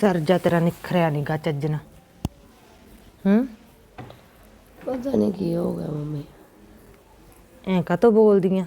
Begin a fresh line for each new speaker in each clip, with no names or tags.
ਸਿਰ ਜਾ ਤੇਰਾ ਨਿਖਰਿਆ ਨੀ ਗਾ ਚੱਜ ਨਾਲ।
ਪਤਾ ਨਹੀਂ ਕੀ ਹੋ ਗਿਆ ਮੰਮੀ।
ਐਂ ਕਾਹਤੋਂ ਬੋਲਦੀਆਂ?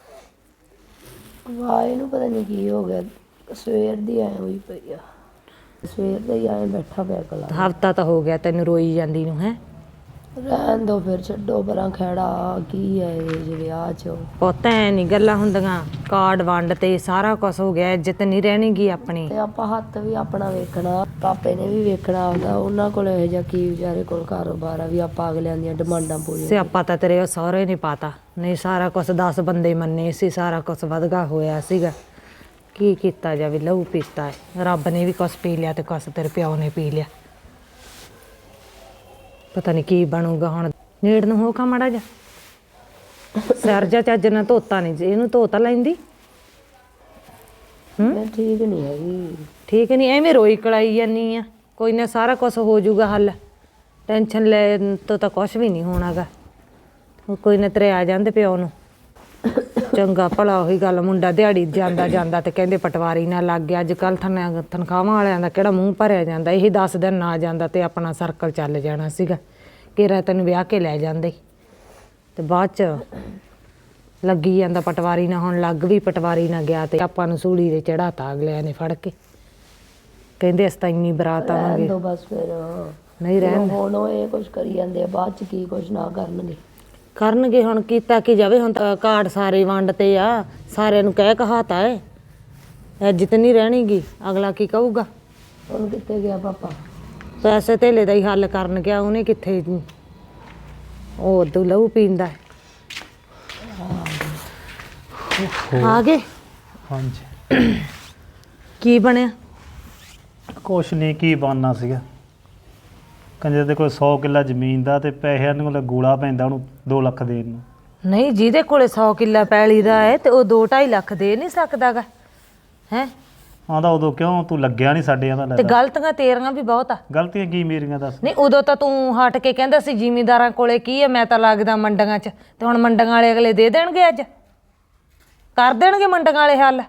ਵਾਏ ਨੂੰ ਪਤਾ ਨਹੀਂ ਕੀ ਹੋ ਗਿਆ, ਸਵੇਰ ਦੀ ਐ ਹੋਈ ਪਈ ਆ। ਸਵੇਰ ਦਾ ਹੀ ਐਂ ਬੈਠਾ ਪਿਆ ਕਲਾ।
ਹਫ਼ਤਾ ਤਾਂ ਹੋ ਗਿਆ ਤੈਨੂੰ ਰੋਈ ਜਾਂਦੀ ਨੂੰ। ਹੈ
ਰਹਿਣ ਦੋ ਫਿਰ, ਛੱਡੋ ਪਰਾਂ ਖਹਿੜਾ। ਕੀ ਹੈ ਇਹ ਜੇ ਵਿਆਹ 'ਚ
ਪੁੱਤ ਐ ਨਹੀਂ ਗੱਲਾਂ ਹੁੰਦੀਆਂ। ਕਾਰਡ ਵੰਡ ਤੇ ਸਾਰਾ ਕੁਛ ਹੋ ਗਿਆ, ਇੱਜ਼ਤ ਨਹੀਂ ਰਹਿਣੀ ਗੀ ਆਪਣੀ।
ਤੇ ਆਪਾਂ ਹੱਥ ਵੀ ਆਪਣਾ ਵੇਖਣਾ, ਪਾਪੇ ਨੇ ਵੀ ਵੇਖਣਾ ਆਉਂਦਾ। ਉਹਨਾਂ ਕੋਲ ਇਹੋ ਜਿਹਾ ਕੀ ਵਿਚਾਰੇ ਕੋਲ ਕਾਰੋਬਾਰ ਆ ਵੀ ਆਪਾਂ ਅਗਲਿਆਂ ਦੀਆਂ ਡਿਮਾਂਡਾਂ ਪੂਰੀਆਂ।
ਸਿਆਪਾ ਤਾਂ ਤੇਰੇ ਸਹੁਰੇ ਨਹੀਂ ਪਾਤਾ, ਨਹੀਂ ਸਾਰਾ ਕੁਛ 10 ਬੰਦੇ ਮੰਨੇ ਸੀ, ਸਾਰਾ ਕੁਛ ਵਧਗਾ ਹੋਇਆ ਸੀਗਾ। ਕੀ ਕੀਤਾ ਜਾਵੇ, ਲਹੂ ਪੀਤਾ ਹੈ। ਰੱਬ ਨੇ ਵੀ ਕੁਛ ਪੀ ਲਿਆ ਤੇ ਕੁਛ ਤੇਰੇ ਪਿਓ ਨੇ ਪੀ ਲਿਆ। ਪਤਾ ਨਹੀਂ ਕੀ ਬਣੂਗਾ ਹੁਣ। ਨੇੜ ਨੂੰ ਹੋ ਖਾ ਮਾੜਾ ਜਾ ਸਿਰ ਜਾ ਚੱਜ ਨਾਲ ਧੋਤਾ ਨਹੀਂ, ਇਹਨੂੰ ਧੋਤਾ ਲੈਂਦੀ।
ਮੈਂ ਠੀਕ ਨਹੀਂ ਹੈਗੀ।
ਠੀਕ ਨਹੀਂ, ਐਵੇਂ ਰੋਈ ਕਲਾਈ ਜਾਨੀ ਆ। ਕੋਈ ਨਾ ਸਾਰਾ ਕੁਛ ਹੋ ਜਾਊਗਾ ਹੱਲ, ਟੈਨਸ਼ਨ ਲੈ ਤੋਂ ਤਾਂ ਕੁਛ ਵੀ ਨਹੀਂ ਹੋਣਾਗਾ। ਕੋਈ ਨਾ ਤੇਰੇ ਆ ਜਾਂਦੇ ਪਿਓ ਨੂੰ। ਚੰਗਾ ਭਲਾ ਉਹੀ ਗੱਲ, ਮੁੰਡਾ ਦਿਹਾੜੀ ਜਾਂਦਾ ਜਾਂਦਾ ਤੇ ਕਹਿੰਦੇ ਪਟਵਾਰੀ ਨਾਲ ਲੱਗ ਗਿਆ। ਅੱਜ ਕੱਲ੍ਹ ਤਨਖਾਹਾਂ ਵਾਲਿਆਂ ਦਾ ਕਿਹੜਾ ਮੂੰਹ ਭਰਿਆ ਜਾਂਦਾ। ਇਹੀ 10 ਦਿਨ ਨਾ ਜਾਂਦਾ ਤੇ ਆਪਣਾ ਸਰਕਲ ਚੱਲ ਜਾਣਾ ਸੀਗਾ। ਘੇਰਾ ਤੈਨੂੰ ਵਿਆਹ ਕੇ ਲੈ ਜਾਂਦੇ ਤੇ ਬਾਅਦ 'ਚ ਲੱਗੀ ਜਾਂਦਾ ਪਟਵਾਰੀ ਨਾਲ। ਹੁਣ ਲੱਗ ਵੀ ਪਟਵਾਰੀ ਨਾਲ ਗਿਆ ਤੇ ਆਪਾਂ ਨੂੰ ਸੂਲੀ ਦੇ ਚੜਾਤਾ ਅਗਲਿਆਂ ਨੇ ਫੜ ਕੇ। ਕਹਿੰਦੇ ਅਸੀਂ ਤਾਂ ਇੰਨੀ ਬਰਾਤ ਆਵਾਂਗੇ।
ਬਸ ਫਿਰ
ਨਹੀਂ ਰਹਿਣ
ਹੁਣ ਉਹ ਇਹ ਕੁਛ ਕਰੀ ਜਾਂਦੇ ਆ, ਬਾਅਦ 'ਚ ਕੀ ਕੁਛ ਨਾ
ਕਰਨਗੇ। ਹੁਣ ਕੀਤਾ ਕੀ ਜਾਵੇ। ਹੁਣ ਤਾਂ ਕਾਰਡ ਸਾਰੇ ਵੰਡ ਤੇ ਆ, ਸਾਰਿਆਂ ਨੂੰ ਕਹਿ ਕਹਾਤਾ ਹੈ। ਇੱਜ਼ਤ ਨਹੀਂ ਰਹਿਣੀ ਗੀ। ਅਗਲਾ ਕੀ ਕਹੂਗਾ?
ਹੁਣ ਕਿੱਥੇ ਗਿਆ ਪਾਪਾ?
ਪੈਸੇ ਧੇਲੇ ਦਾ ਹੀ ਹੱਲ ਕਰਨ ਗਿਆ। ਉਹਨੇ ਕਿੱਥੇ, ਉਹ ਉਦੋਂ ਲਹੂ ਪੀਂਦਾ। ਆ ਗਏ?
ਹਾਂਜੀ।
ਕੀ ਬਣਿਆ?
ਕੁਛ ਨਹੀਂ, ਕੀ ਬਣਨਾ ਸੀਗਾ। ਕੰਜਰ ਦੇ ਕੋਲ 100 ਕਿੱਲਾ ਜ਼ਮੀਨ ਦਾ ਤੇ ਪੈਸਿਆਂ ਨੂੰ ਗੋਲਾ ਪੈਂਦਾ ਉਹਨੂੰ 2 ਲੱਖ ਦੇਣ ਨੂੰ।
ਨਹੀਂ, ਜਿਹਦੇ ਕੋਲੇ 100 ਕਿੱਲਾ ਪੈਲੀ ਦਾ ਹੈ ਤੇ ਉਹ 2-2.5 ਲੱਖ ਦੇ ਨਹੀਂ ਸਕਦਾਗਾ। ਹੈ
ਆਂਦਾ ਉਦੋਂ ਕਿਉਂ ਤੂੰ ਲੱਗਿਆ ਨਹੀਂ ਸਾਡੇ ਆਂਦਾ।
ਤੇ ਗਲਤੀਆਂ ਤੇਰੀਆਂ ਵੀ ਬਹੁਤ ਆ।
ਗਲਤੀਆਂ ਕੀ ਮੇਰੀਆਂ ਦੱਸ?
ਨਹੀਂ, ਉਦੋਂ ਤਾਂ ਤੂੰ ਹਟ ਕੇ ਕਹਿੰਦਾ ਸੀ ਜ਼ਿਮੀਂਦਾਰਾਂ ਕੋਲੇ ਕੀ ਹੈ, ਮੈਂ ਤਾਂ ਲੱਗਦਾ ਮੰਡੀਆਂ 'ਚ। ਤੇ ਹੁਣ ਮੰਡੀਆਂ ਵਾਲੇ ਅਗਲੇ ਦੇ ਦੇਣਗੇ, ਅੱਜ ਕਰ ਦੇਣਗੇ ਮੰਡੀਆਂ ਵਾਲੇ ਹੱਲ।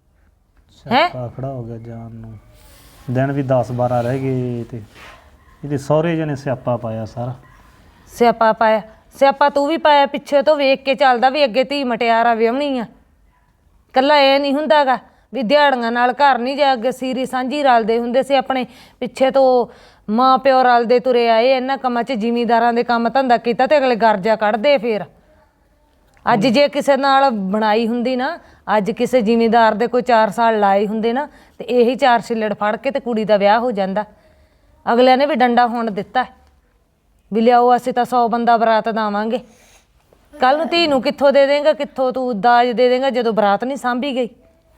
ਹੈ
ਖੜਾ ਹੋ ਗਿਆ ਜਾਨ ਨੂੰ। ਦਿਨ ਵੀ 10-12 ਰਹਿ ਗਏ ਤੇ ਇਹਦੇ ਸਹੁਰੇ ਜਣੇ ਸਿਆਪਾ ਪਾਇਆ ਸਾਰਾ।
ਸਿਆਪਾ ਪਾਇਆ? ਸਿਆਪਾ ਤੂੰ ਵੀ ਪਾਇਆ। ਪਿੱਛੇ ਤੋਂ ਵੇਖ ਕੇ ਚੱਲਦਾ ਵੀ ਅੱਗੇ ਧੀ ਮਟਿਆਰਾ ਵਿਆਹਣੀ ਆ। ਇਕੱਲਾ ਇਹ ਨਹੀਂ ਹੁੰਦਾਗਾ ਵੀ ਦਿਹਾੜੀਆਂ ਨਾਲ ਘਰ ਨਹੀਂ ਜਾ। ਅੱਗੇ ਸੀਰੀ ਸਾਂਝੀ ਰਲਦੇ ਹੁੰਦੇ ਸੀ ਆਪਣੇ। ਪਿੱਛੇ ਤੋਂ ਮਾਂ ਪਿਓ ਰਲਦੇ ਤੁਰੇ ਆਏ ਇਹਨਾਂ ਕੰਮਾਂ 'ਚ। ਜ਼ਿਮੀਂਦਾਰਾਂ ਦੇ ਕੰਮ ਧੰਦਾ ਕੀਤਾ ਤੇ ਅਗਲੇ ਗਰਜਾ ਕੱਢਦੇ। ਫਿਰ ਅੱਜ ਜੇ ਕਿਸੇ ਨਾਲ ਬਣਾਈ ਹੁੰਦੀ ਨਾ, ਅੱਜ ਕਿਸੇ ਜ਼ਿਮੀਂਦਾਰ ਦੇ ਕੋਈ 4 ਸਾਲ ਲਾਏ ਹੁੰਦੇ ਨਾ, ਤੇ ਇਹੀ 4 ਛਿੱਲੜ ਫੜ ਕੇ ਤੇ ਕੁੜੀ ਦਾ ਵਿਆਹ ਹੋ ਜਾਂਦਾ। ਅਗਲਿਆਂ ਨੇ ਵੀ ਡੰਡਾ ਹੋਣ ਦਿੱਤਾ ਵੀ ਲਿਆਓ ਅਸੀਂ ਤਾਂ 100 ਬੰਦਾ ਬਰਾਤ ਦੇਵਾਂਗੇ। ਕੱਲ ਨੂੰ ਧੀ ਨੂੰ ਕਿੱਥੋਂ ਦੇ ਦੇਂਗਾ, ਕਿੱਥੋਂ ਤੂੰ ਦਾਜ ਦੇ ਦੇਂਗਾ ਜਦੋਂ ਬਰਾਤ ਨਹੀਂ ਸਾਂਭੀ ਗਈ।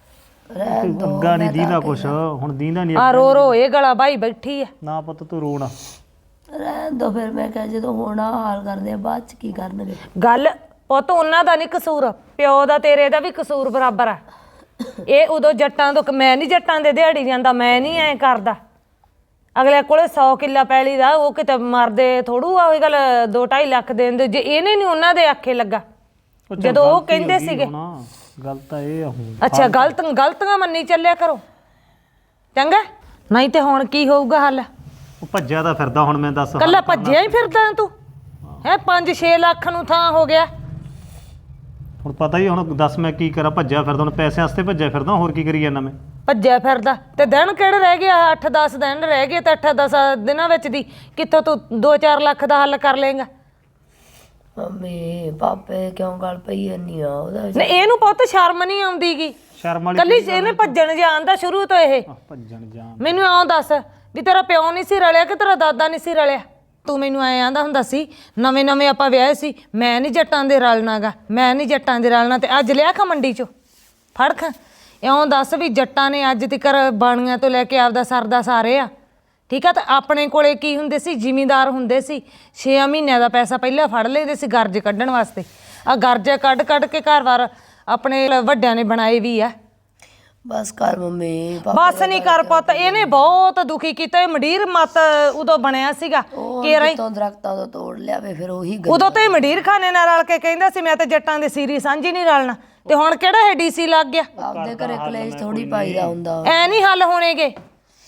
ਅੱਗਾ ਨਹੀਂ ਦੀਦਾ ਕੁਛ, ਹੁਣ ਦੀਦਾ ਨਹੀਂ।
ਆ ਰੋ ਰੋ ਇਹ ਗਲਾ ਬਾਈ ਬੈਠੀ ਆ।
ਨਾ ਪੁੱਤ ਤੂੰ ਰੋਣਾ।
ਰਹਿਣ ਦੋ ਫਿਰ। ਮੈਂ ਕਿਹਾ ਜਦੋਂ ਹੋਣਾ ਹਾਲ ਕਰਦੇ ਆ, ਬਾਅਦ 'ਚ ਕੀ ਕਰਨਗੇ।
ਗੱਲ ਪੁੱਤ ਉਹਨਾਂ ਦਾ ਨਹੀਂ ਕਸੂਰ, ਪਿਓ ਦਾ ਤੇਰੇ ਦਾ ਵੀ ਕਸੂਰ ਬਰਾਬਰ ਆ। ਇਹ ਉਦੋਂ ਜੱਟਾਂ ਤੋਂ, ਮੈਂ ਨਹੀਂ ਜੱਟਾਂ ਦੇ ਦਿਹਾੜੀ ਜਾਂਦਾ, ਮੈਂ ਨਹੀਂ ਐਂ ਕਰਦਾ। ਅਗਲੇ ਕੋਲੇ 100 ਕਿੱਲਾ ਪੈਲੀ ਦਾ, ਉਹ ਕਿਤੇ ਮਰਦੇ ਥੋੜੂ ਆ। ਉਹੀ ਗੱਲ 2-2.5 ਲੱਖ ਦੇਣ ਦੇ। ਜੇ ਇਹਨੇ ਨਹੀਂ ਉਹਨਾਂ ਦੇ ਆਖੇ ਲੱਗਾ ਜਦੋਂ ਉਹ ਕਹਿੰਦੇ ਸੀਗੇ।
ਗੱਲ ਤਾਂ ਇਹ ਆ ਹੁਣ।
ਅੱਛਾ, ਗਲਤੀਆਂ ਮੰਨੀ ਚੱਲਿਆ ਕਰੋ ਚੰਗਾ। ਨਹੀਂ ਤੇ ਹੁਣ ਕੀ ਹੋਊਗਾ ਹੱਲ?
ਉਹ ਭੱਜਿਆ ਤਾਂ ਫਿਰਦਾ ਹੁਣ। ਮੈਂ ਦੱਸ,
ਕੱਲਾ ਭੱਜਿਆ ਹੀ ਫਿਰਦਾ ਤੂੰ? ਹੈ 5-6 ਲੱਖ ਨੂੰ ਥਾਂ ਹੋ ਗਿਆ।
ਹੁਣ ਪਤਾ ਹੀ ਹੁਣ ਦੱਸ ਮੈਂ ਕੀ ਕਰਾਂ। ਭੱਜਿਆ ਫਿਰਦਾ ਹੁਣ, ਪੈਸੇ ਵਾਸਤੇ ਭੱਜਿਆ ਫਿਰਦਾ। ਹੋਰ ਕੀ ਕਰੀ ਜਾਂਦਾ ਮੈਂ?
ਭੱਜਿਆ ਫਿਰਦਾ ਤੇ ਦਿਨ ਕਿਹੜੇ ਰਹਿ ਗਏ? 8-10 ਦਿਨ ਰਹਿ ਗਏ ਤੇ 8-10 ਦਿਨਾਂ ਵਿੱਚ ਦੀ ਕਿੱਥੋਂ ਤੂੰ 2-4 ਲੱਖ ਦਾ ਹੱਲ ਕਰ ਲਏਗਾ?
ਮੰਮੀ ਪਾਪੇ ਕਿਉਂ ਗੱਲ ਪਈ ਜਾਂਦੀ ਆ ਉਹਦਾ?
ਨਹੀਂ, ਇਹਨੂੰ ਪੁੱਤ ਸ਼ਰਮ ਨਹੀਂ ਆਉਂਦੀਗੀ।
ਸ਼ਰਮ ਵਾਲੀ
ਕੱਲੀ ਇਹਨੇ ਭੱਜਣ ਜਾਣ ਦਾ ਸ਼ੁਰੂ ਤੋਂ। ਇਹ
ਭੱਜਣ ਜਾਣ।
ਮੈਨੂੰ ਆਉਂ ਦੱਸ ਵੀ ਤੇਰਾ ਪਿਓ ਨਹੀਂ ਸੀ ਰਲਿਆ ਕਿ ਤੇਰਾ ਦਾਦਾ ਨਹੀਂ ਸੀ ਰਲਿਆ? ਤੂੰ ਮੈਨੂੰ ਐਂ ਆਂਦਾ ਹੁੰਦਾ ਸੀ ਨਵੇਂ ਆਪਾਂ ਵਿਆਹੇ ਸੀ, ਮੈਂ ਨਹੀਂ ਜੱਟਾਂ ਦੇ ਰਲਣਾਗਾ, ਮੈਂ ਨਹੀਂ ਜੱਟਾਂ ਦੇ ਰਲਣਾ। ਤੇ ਅੱਜ ਲਿਆ ਖਾ ਮੰਡੀ 'ਚੋਂ ਫੜ ਖਾ। ਇਉਂ ਦੱਸ ਵੀ ਜੱਟਾਂ ਨੇ ਅੱਜ ਤੱਕ ਬਾਣੀਆਂ ਤੋਂ ਲੈ ਕੇ ਆਪਦਾ ਸਰਦਾ ਸਾਰੇ ਆ। ਠੀਕ ਆ। ਤਾਂ ਆਪਣੇ ਕੋਲੇ ਕੀ ਹੁੰਦੇ ਸੀ? ਜ਼ਿਮੀਂਦਾਰ ਹੁੰਦੇ ਸੀ। 6 ਮਹੀਨਿਆਂ ਦਾ ਪੈਸਾ ਪਹਿਲਾਂ ਫੜ ਲੈਂਦੇ ਸੀ ਗਰਜ ਕੱਢਣ ਵਾਸਤੇ। ਆ ਗਰਜਾ ਕੱਢ ਕੇ ਘਰ-ਬਾਰ ਆਪਣੇ ਵੱਡਿਆਂ ਨੇ ਬਣਾਏ ਵੀ ਆ।
ਬਸ ਕਰ ਮੰਮੀ।
ਬਸ ਨਹੀਂ ਕਰ ਪੁੱਤ। ਇਹਨੇ ਬਹੁਤ ਦੁਖੀ ਕੀਤਾ। ਇਹ ਮੰਡੀਰ ਮੱਤ ਉਦੋਂ ਬਣਿਆ ਸੀਗਾ ਕਿ
ਦਰਖਤਾਂ ਤੋਂ ਤੋੜ ਲਿਆਵੇ ਫਿਰ ਉਹੀ।
ਉਦੋਂ ਤਾਂ ਇਹ ਮੰਡੀਰ ਖਾਨੇ ਨਾਲ ਰਲ ਕੇ ਕਹਿੰਦਾ ਸੀ ਮੈਂ ਤਾਂ ਜੱਟਾਂ ਦੇ ਸੀਰੀ ਸਾਂਝੀ ਨਹੀਂ ਰਲਣਾ। ਤੇ ਹੁਣ ਕਿਹੜਾ ਇਹ DC ਲੱਗ ਗਿਆ?
ਆਪਦੇ ਘਰੇ ਕਲੇਸ਼ ਥੋੜੀ ਪਾਈਦਾ ਹੁੰਦਾ।
ਐ ਨਹੀਂ ਹੱਲ ਹੋਣੇਗੇ।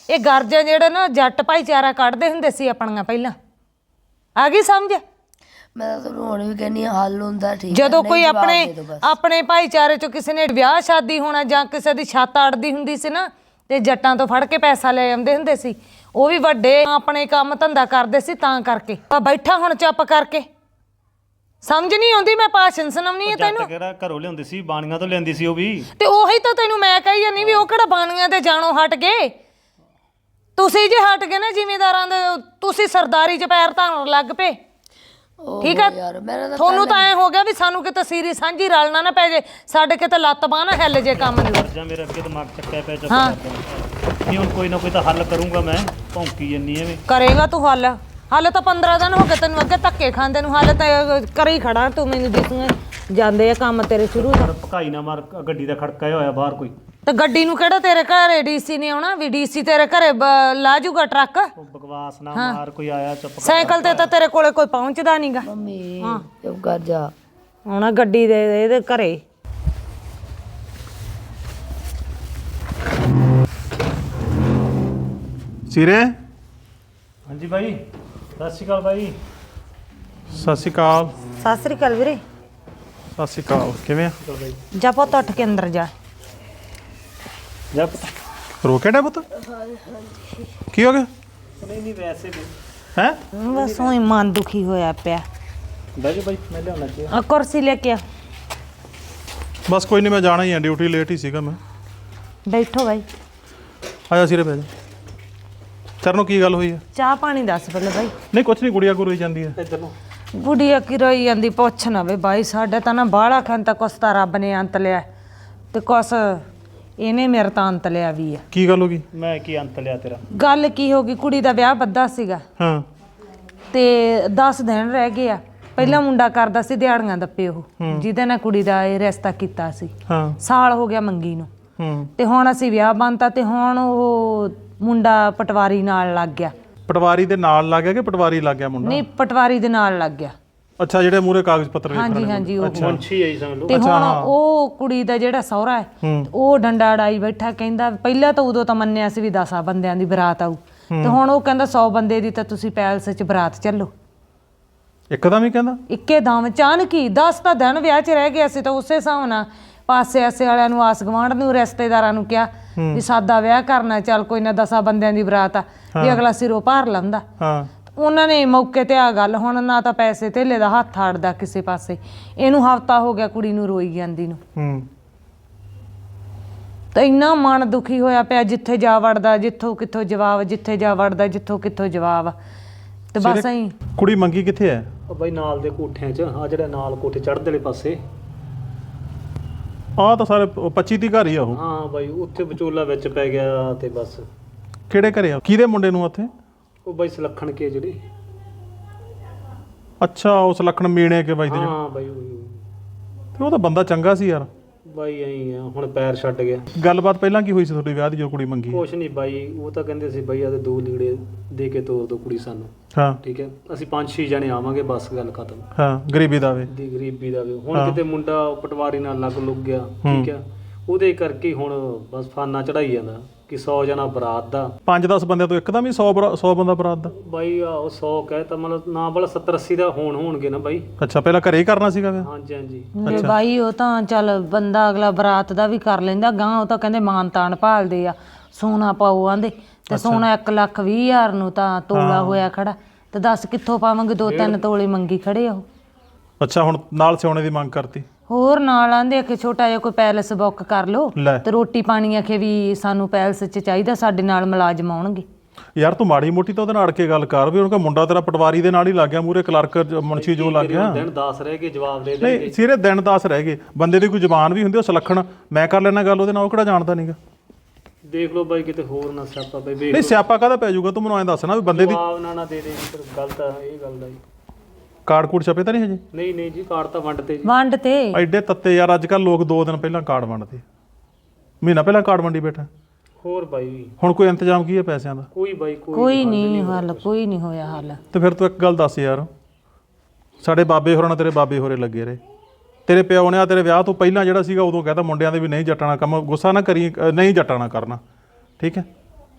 ਇਹ ਗਰਜਾਂ ਜਿਹੜੇ ਨਾ ਜੱਟ ਭਾਈਚਾਰਾ ਕੱਢਦੇ ਹੁੰਦੇ ਸੀ ਆਪਣੀਆਂ ਪਹਿਲਾਂ। ਆ ਗਈ ਸਮਝ?
ਮੈਂ ਤਾਂ ਤੁਹਾਨੂੰ ਹੁਣ ਵੀ ਕਹਿੰਦੀ ਹਾਂ ਹੱਲ ਹੁੰਦਾ ਠੀਕ ਹੈ,
ਜਦੋਂ
ਨਹੀਂ
ਕੋਈ
ਜਵਾਬ
ਆਪਣੇ
ਦੇ ਦਿਓ ਬਸ।
ਆਪਣੇ ਭਾਈਚਾਰੇ ਚੋਂ ਕਿਸੇ ਨੇ ਵਿਆਹ ਸ਼ਾਦੀ ਹੋਣਾ ਜਾਂ ਕਿਸੇ ਦੀ ਛੱਤ ਅੜਦੀ ਹੁੰਦੀ ਸੀ ਨਾ, ਤੇ ਜੱਟਾਂ ਤੋਂ ਫੜ ਕੇ ਪੈਸਾ ਲੈ ਆਉਂਦੇ ਹੁੰਦੇ ਸੀ। ਉਹ ਵੀ ਵੱਡੇ ਆਪਣੇ ਕੰਮ ਧੰਦਾ ਕਰਦੇ ਸੀ ਤਾਂ ਕਰਕੇ। ਆ ਬੈਠਾ ਹੁਣ ਚੁੱਪ ਕਰਕੇ, ਸਮਝ ਨਹੀਂ ਆਉਂਦੀ? ਮੈਂ ਭਾਸ਼ਣ ਸੁਣਾਉਣੀ ਹੈ ਤੈਨੂੰ।
ਜੱਟ ਕਿਹੜਾ ਘਰੋਂ ਲਿਆਉਂਦੀ ਸੀ, ਬਾਣੀਆਂ ਤੋਂ ਲਿਆਂਦੀ ਸੀ ਉਹ ਵੀ।
ਤੇ ਉਹੀ ਤਾਂ ਤੈਨੂੰ ਮੈਂ ਕਹੀ ਜਾਂਦੀ ਵੀ ਉਹ ਕਿਹੜਾ ਬਾਣੀਆਂ ਤੇ ਜਾਣੋਂ ਹਟ ਗਏ। ਤੁਸੀਂ ਜੇ ਹਟ ਗਏ ਨਾ ਜ਼ਿਮੀਂਦਾਰਾਂ ਦੇ, ਤੁਸੀਂ ਸਰਦਾਰੀ 'ਚ ਪੈਰ ਧਰਨ ਲੱਗ ਪਏ। ਠੀਕ ਹੈ,
ਯਾਰ ਮੇਰਾ ਤਾਂ
ਤੁਹਾਨੂੰ ਤਾਂ ਐ ਹੋ ਗਿਆ ਵੀ ਸਾਨੂੰ ਕਿਤੇ ਸੀਰੀ ਸਾਂਝੀ ਰਲਣਾ ਨਾ ਪੈ ਜੇ, ਸਾਡੇ ਕਿਤੇ ਲੱਤ ਬਾਂਹ ਨਾ ਹਿੱਲ ਜੇ ਕੰਮ ਨੂੰ।
ਜਾਂ ਮੇਰੇ ਅੱਗੇ ਦਿਮਾਗ ਚੱਕਿਆ ਪਿਆ ਚੁੱਪ ਨਹੀਂ, ਹੁਣ ਕੋਈ ਨਾ ਕੋਈ ਤਾਂ ਹੱਲ ਕਰੂੰਗਾ ਮੈਂ। ਭੌਂਕੀ ਜੰਨੀ ਐਵੇਂ।
ਕਰੇਗਾ ਤੂੰ ਹੱਲ? ਹੱਲ ਤਾਂ 15 ਦਿਨ ਹੋ ਗਏ ਤੈਨੂੰ ਅੱਗੇ ਧੱਕੇ ਖਾਂਦੇ ਨੂੰ, ਹੱਲ ਤਾਂ ਕਰੀ ਖੜਾ ਤੂੰ। ਮੈਨੂੰ ਦਿਸੂਗਾ ਜਾਂਦੇ ਆ ਕੰਮ ਤੇਰੇ ਸ਼ੁਰੂ ਤੋਂ।
ਭਕਾਈ ਨਾ ਮਾਰ, ਗੱਡੀ ਦਾ ਖੜਕਾ ਹੋਇਆ ਬਾਹਰ ਕੋਈ।
ਤੇ ਗੱਡੀ ਨੂੰ ਕਿਹੜਾ ਤੇਰੇ ਘਰੇ ਡੀਸੀ ਨੇ ਆਉਣਾ ਵੀ ਡੀਸੀ ਤੇਰੇ ਘਰੇ ਲਾ ਜੂਗਾ ਟਰੱਕ?
ਉਹ ਬਕਵਾਸ ਨਾ ਮਾਰ, ਕੋਈ ਆਇਆ ਚੁੱਪ ਕਰ।
ਸਾਈਕਲ ਤੇ ਤਾਂ ਤੇਰੇ ਕੋਲੇ ਕੋਈ ਪਹੁੰਚਦਾ ਨਹੀਂਗਾ।
ਮੰਮੀ ਚੁੱਪ ਕਰ ਜਾ।
ਆਉਣਾ ਗੱਡੀ ਦੇ ਇਹਦੇ ਘਰੇ।
ਸਿਰੇ
ਹਾਂਜੀ ਬਾਈ, ਸਤਿ ਸ਼੍ਰੀ ਅਕਾਲ ਬਾਈ।
ਸਤਿ ਸ਼੍ਰੀ ਅਕਾਲ।
ਸਤਿ ਸ੍ਰੀ ਅਕਾਲ ਵੀਰੇ।
ਸਤਿ ਸ਼੍ਰੀ ਅਕਾਲ, ਕਿਵੇਂ ਆ?
ਜਾ ਪੁੱਤ ਉੱਠ ਕੇ ਅੰਦਰ ਜਾ।
ਜਾ ਪਤਾ।
ਰੋਕਿਆ ਡਾ ਪੁੱਤ? ਕੀ ਹੋ ਗਿਆ?
ਨਹੀਂ ਨਹੀਂ, ਵੈਸੇ ਵੀ
ਹੈ
ਬਸ ਉਹੀ ਮਨ ਦੁਖੀ ਹੋਇਆ ਪਿਆ।
ਬਹਿ ਜਾ ਬਾਈ, ਮੈਂ ਲਿਆਉਣਾ ਚਾਹੀਦਾ।
ਆ ਕੁਰਸੀ ਲੈ ਕੇ ਆ।
ਬਸ ਕੋਈ ਨਹੀਂ, ਮੈਂ ਜਾਣਾ ਹੀ ਆ, ਡਿਊਟੀ ਲੇਟ ਹੀ ਸੀਗਾ ਮੈਂ।
ਬੈਠੋ ਬਾਈ।
ਆਇਆ ਸਿਰੇ ਬਹਿ ਜਾ। ਚਰਨੋਂ ਕੀ ਗੱਲ ਹੋਈ ਹੈ?
ਚਾਹ ਪਾਣੀ ਦੱਸ ਪਹਿਲੇ ਬਾਈ।
ਨਹੀਂ ਕੁਛ ਨਹੀਂ, ਗੁੜੀਆ ਗੁਰੂ ਜਾਂਦੀ ਹੈ।
ਇੱਧਰ ਨੂੰ।
ਗੁੜੀਆ ਕੀ ਰੋਈ ਜਾਂਦੀ, ਪੁੱਛ ਨਾ ਵੇ ਬਾਈ। ਸਾਡੇ ਤਾਂ ਨਾ ਬਾਹਲਾ ਖਾਨ ਤਾਂ ਕੁਛ ਤਾਂ ਰੱਬ ਨੇ ਅੰਤ ਲਿਆ ਤੇ ਕੁਛ ਇਹਨੇ ਮੇਰੇ ਤਾਂ ਅੰਤ ਲਿਆ ਵੀ ਆ।
ਕੀ ਗੱਲ ਹੋ ਗਈ?
ਮੈਂ ਕੀ ਅੰਤ ਲਿਆ ਤੇਰਾ?
ਗੱਲ ਕੀ ਹੋ ਗਈ, ਕੁੜੀ ਦਾ ਵਿਆਹ ਬੱਧਾ ਸੀਗਾ
ਹਾਂ
ਤੇ 10 ਦਿਨ ਰਹਿ ਗਏ ਆ। ਪਹਿਲਾ ਮੁੰਡਾ ਕਰਦਾ ਸੀ ਦਿਹਾੜੀਆਂ ਦੱਪੇ, ਉਹ ਜਿਹਦੇ ਨਾਲ ਕੁੜੀ ਦਾ ਇਹ ਰਿਸ਼ਤਾ ਕੀਤਾ ਸੀ।
ਹਾਂ
ਸਾਲ ਹੋ ਗਿਆ ਮੰਗੀ ਨੂੰ।
ਹੂੰ।
ਤੇ ਹੁਣ ਅਸੀਂ ਵਿਆਹ ਬੰਨਤਾ ਤੇ ਹੁਣ ਉਹ ਮੁੰਡਾ ਪਟਵਾਰੀ ਨਾਲ ਲੱਗ ਗਿਆ।
ਪਟਵਾਰੀ ਦੇ ਨਾਲ ਲੱਗ ਗਿਆ ਕਿ ਪਟਵਾਰੀ ਲੱਗ ਗਿਆ ਮੁੰਡਾ?
ਨਹੀਂ, ਪਟਵਾਰੀ ਦੇ ਨਾਲ ਲੱਗ ਗਿਆ।
ਅੱਛਾ, ਜਿਹੜੇ ਮੂਰੇ ਕਾਗਜ਼ ਪੱਤਰ ਵੇਖਣ
ਹਾਂਜੀ
ਵਾਲੇ।
ਹਾਂਜੀ ਉਹ।
ਮੁੰਸ਼ੀ ਆਈ ਸਮਝ ਲਓ।
ਤੇ ਹੁਣ ਉਹ ਕੁੜੀ ਦਾ ਜਿਹੜਾ ਸਹੁਰਾ ਹੈ ਉਹ ਡੰਡਾ ਅੜਾਈ ਬੈਠਾ, ਕਹਿੰਦਾ ਪਹਿਲਾਂ ਤਾਂ ਉਦੋਂ ਤਾਂ ਮੰਨਿਆ ਸੀ ਵੀ 10 ਬੰਦਿਆਂ ਦੀ ਬਰਾਤ ਆਊ, ਤੇ ਹੁਣ ਉਹ ਕਹਿੰਦਾ 100 ਬੰਦੇ ਦੀ ਤਾਂ ਤੁਸੀਂ ਪੈਲਸ 'ਚ ਬਰਾਤ ਚੱਲੋ।
ਇੱਕਦਮ ਹੀ ਕਹਿੰਦਾ?
ਇੱਕੇ ਦਮ ਅਚਾਨਕ ਹੀ 10 ਤਾਂ ਦਿਨ ਵਿਆਹ 'ਚ ਰਹਿ ਗਿਆ ਸੀ, ਤਾਂ ਉਸੇ ਹਿਸਾਬ ਨਾਲ ਪਾਸੇ ਆਸੇ ਵਾਲਿਆਂ ਨੂੰ, ਆਸ ਗੁਆਂਢ ਨੂੰ, ਰਿਸ਼ਤੇਦਾਰਾਂ ਨੂੰ ਕਿਹਾ ਵੀ ਸਾਦਾ ਵਿਆਹ ਕਰਨਾ, ਚੱਲ ਕੋਈ ਨਾ 10 ਬੰਦਿਆਂ ਦੀ ਬਰਾਤ ਆ ਵੀ ਅਗਲਾ ਸਿਰੋਂ ਭਾਰ ਲੈਂਦਾ।
ਹਾਂ।
ਉਹਨਾਂ ਨੇ ਮੌਕੇ ਤੇ ਆ ਗੱਲ, ਹੁਣ ਨਾ ਤਾਂ ਪੈਸੇ ਧੇਲੇ ਦਾ ਹੱਥ ਆੜਦਾ ਕਿਸੇ ਪਾਸੇ। ਇਹਨੂੰ ਹਫਤਾ ਹੋ ਗਿਆ ਕੁੜੀ ਨੂੰ ਰੋਈ ਜਾਂਦੀ ਨੂੰ।
ਹੂੰ।
ਤਾਂ ਇੰਨਾ ਮਨ ਦੁਖੀ ਹੋਇਆ ਪਿਆ, ਜਿੱਥੇ ਜਾ ਵੜਦਾ ਜਿੱਥੋਂ ਕਿੱਥੋਂ ਜਵਾਬ, ਜਿੱਥੇ ਜਾ ਵੜਦਾ ਜਿੱਥੋਂ ਕਿੱਥੋਂ ਜਵਾਬ। ਤੇ ਬਸ ਐਂ।
ਕੁੜੀ ਮੰਗੀ ਕਿੱਥੇ ਹੈ?
ਉਹ ਬਾਈ ਨਾਲ ਦੇ ਕੋਠਿਆਂ 'ਚ, ਆ ਜਿਹੜਾ ਨਾਲ ਕੋਠੇ ਚੜ੍ਹਦੇ ਵਾਲੇ ਪਾਸੇ।
ਆਹ ਤਾਂ ਸਾਰੇ 25 ਦੀ ਘਰ ਹੀ ਆ ਉਹ।
ਹਾਂ ਬਾਈ, ਉੱਥੇ ਵਿਚੋਲਾ ਵਿੱਚ ਪੈ ਗਿਆ ਤੇ ਬਸ।
ਕਿਹੜੇ ਘਰੇ ਆ? ਕਿਹਦੇ ਮੁੰਡੇ ਨੂੰ ਉੱਥੇ?
ਉਹ ਬਾਈ ਸੁਲੱਖਣ ਕੇ ਜਿਹੜੇ।
ਅੱਛਾ, ਉਸ ਲਖਣ ਮੀਣੇ ਕੇ ਬਾਈ ਦੇ ਜਿਹੜੇ।
ਹਾਂ ਬਾਈ
ਤੇ ਉਹ ਤਾਂ ਬੰਦਾ ਚੰਗਾ ਸੀ ਯਾਰ।
ਬਾਈ ਐਂ ਆ, ਹੁਣ ਪੈਰ ਛੱਡ ਗਿਆ।
ਗੱਲਬਾਤ ਪਹਿਲਾਂ ਕੀ ਹੋਈ ਸੀ ਤੁਹਾਡੇ ਵਿਆਹ ਦੀ ਜੋ ਕੁੜੀ ਮੰਗੀ?
ਕੁਛ ਨਹੀਂ ਬਾਈ, ਉਹ ਤਾਂ ਕਹਿੰਦੇ ਸੀ ਬਾਈ ਆਦੇ 2 ਲੀੜੇ ਦੇ ਕੇ ਤੋਰ ਦੋ ਕੁੜੀ ਸਾਨੂੰ।
ਹਾਂ
ਠੀਕ ਹੈ, ਅਸੀਂ 5-6 ਜਣੇ ਆਵਾਂਗੇ, ਬਸ ਗੱਲ ਖਤਮ।
ਹਾਂ, ਗਰੀਬੀ ਦਾ ਵੇ।
ਦੀ ਗਰੀਬੀ ਦਾ ਵੀ ਹੁਣ ਕਿਤੇ ਮੁੰਡਾ ਪਟਵਾਰੀ ਨਾਲ ਲੱਗ ਲੁੱਗ ਗਿਆ। ਠੀਕ ਹੈ, ਉਹਦੇ ਕਰਕੇ ਹੁਣ ਬਸ ਫਾਨਾ ਚੜਾਈ ਜਾਂਦਾ ਕਿ 100 ਜਣਾ ਬਰਾਤ ਦਾ।
5-10 ਬੰਦਿਆਂ ਤੋਂ ਇੱਕਦਮ ਹੀ 100 ਬੰਦਾ ਬਰਾਤ ਦਾ?
ਬਾਈ ਉਹ 100 ਕਹਿ ਤਾਂ ਮਤਲਬ ਨਾ ਬਲ 70-80 ਦਾ ਹੋਣਗੇ ਨਾ ਬਾਈ।
ਅੱਛਾ, ਪਹਿਲਾਂ ਘਰੇ ਹੀ ਕਰਨਾ ਸੀਗਾ ਵਿਆਹ?
ਹਾਂਜੀ ਹਾਂਜੀ।
ਮੇਰੇ ਬਾਈ ਉਹ ਤਾਂ ਚੱਲ ਬੰਦਾ ਅਗਲਾ ਬਰਾਤ ਦਾ ਵੀ ਕਰ ਲੈਂਦਾ ਗਾਂ, ਉਹ ਤਾਂ ਕਹਿੰਦੇ ਮਾਨ ਤਾਨ ਭਾਲਦੇ ਆ, ਸੋਨਾ ਪਾਓ ਆਂਦੇ। ਤੇ ਸੋਨਾ 1,20,000 ਨੂੰ ਤਾਂ ਤੋਲਾ ਹੋਇਆ ਖੜਾ, ਤੇ ਦੱਸ ਕਿੱਥੋਂ ਪਾਵਾਂਗੇ? 2-3 ਤੋਲੇ ਮੰਗੀ ਖੜੇ ਆ ਉਹ।
ਅੱਛਾ, ਹੁਣ ਨਾਲ ਸੋਨੇ ਦੀ ਮੰਗ ਕਰਤੀ?
ਹੋਰ ਨਾਲ ਆਂਦੇ ਕਿ ਛੋਟਾ ਜਿਹਾ ਕੋਈ ਪੈਲਸ ਬੁੱਕ ਕਰ ਲਓ
ਲੈ।
ਤੇ ਰੋਟੀ ਪਾਣੀ ਆਖੇ ਵੀ ਸਾਨੂੰ ਪੈਲਸ 'ਚ ਚਾਹੀਦਾ, ਸਾਡੇ ਨਾਲ ਮੁਲਾਜ਼ਮ ਆਉਣਗੇ।
ਯਾਰ ਤੂੰ ਮਾੜੀ ਮੋਟੀ ਤਾਂ ਉਹਦੇ ਨਾਲ ਅੜ ਕੇ ਗੱਲ ਕਰ ਵੀ ਉਹਨਾਂ ਦਾ ਮੁੰਡਾ ਤੇਰਾ ਪਟਵਾਰੀ ਦੇ ਨਾਲ ਹੀ ਲੱਗ ਗਿਆ, ਮੂਰੇ ਕਲਰਕ ਮੁਨਸ਼ੀ ਜੋ ਲੱਗ ਗਿਆ।
ਦਿਨ 10 ਰਹਿ ਕੇ ਜਵਾਬ ਦੇ ਦੇ।
ਨਹੀਂ ਸਿਰੇ ਦਿਨ 10 ਰਹਿ ਗਏ, ਬੰਦੇ ਦੀ ਕੋਈ ਜ਼ਬਾਨ ਵੀ ਹੁੰਦੀ, ਉਹ ਸੁਲੱਖਣ ਮੈਂ ਕਰ ਲੈਣਾ ਗੱਲ ਉਹਦੇ ਨਾਲ, ਉਹ ਕਿਹੜਾ ਜਾਣਦਾ ਨਹੀਂਗਾ।
ਦੇਖ ਲਓ ਬਾਈ ਕਿਤੇ ਹੋਰ ਨਾ ਸਿਆਪਾ ਪਈ। ਵੇਖ
ਨਹੀਂ ਸਿਆਪਾ ਕਾਹਦਾ ਪੈ ਜਾਊਗਾ? ਤੂੰ ਮੈਨੂੰ ਐਂ ਦੱਸ ਨਾ ਵੀ ਬੰਦੇ ਦੀ
ਜਵਾਬ ਨਾ ਦੇ ਦੇ, ਫਿਰ ਗਲਤ ਆ ਇਹ ਗੱਲ ਦਾ ਜੀ।
ਕਾਰਡ ਕੂਡ ਛਪੇ ਤਾਂ ਨਹੀਂ ਹਜੇ?
ਨਹੀਂ ਨਹੀਂ ਜੀ, ਕਾਰਡ ਤਾਂ ਵੰਡ ਤੇ ਜੀ।
ਵੰਡ ਤੇ
ਐਡੇ ਤੱਤੇ ਯਾਰ, ਅੱਜ ਕੱਲ ਲੋਕ 2 ਦਿਨ ਪਹਿਲਾਂ ਕਾਰਡ ਵੰਡਦੇ, ਮਹੀਨਾ ਪਹਿਲਾਂ ਕਾਰਡ ਵੰਡੀ ਬੈਠਾ।
ਹੋਰ ਬਾਈ
ਹੁਣ ਕੋਈ ਇੰਤਜ਼ਾਮ ਕੀ ਹੈ ਪੈਸਿਆਂ ਦਾ?
ਕੋਈ ਬਾਈ
ਕੋਈ ਨਹੀਂ ਹੱਲ, ਕੋਈ ਨਹੀਂ ਹੋਇਆ ਹੱਲ।
ਤੇ ਫਿਰ ਤੂੰ ਇੱਕ ਗੱਲ ਦੱਸ ਯਾਰ, ਸਾਡੇ ਬਾਬੇ ਹੋਰਾਂ ਨਾਲ ਤੇਰੇ ਬਾਬੇ ਹੋਰੇ ਲੱਗੇ ਰਹੇ, ਤੇਰੇ ਪਿਓ ਨੇ ਆ ਤੇਰੇ ਵਿਆਹ ਤੋਂ ਪਹਿਲਾਂ ਜਿਹੜਾ ਸੀਗਾ ਉਦੋਂ ਕਹਿੰਦਾ ਮੁੰਡਿਆਂ ਦੇ ਵੀ ਨਹੀਂ ਜੱਟਾਣਾ ਕੰਮ, ਗੁੱਸਾ ਨਾ ਕਰੀ, ਨਹੀਂ ਜੱਟਾਣਾ ਕਰਨਾ, ਠੀਕ ਹੈ?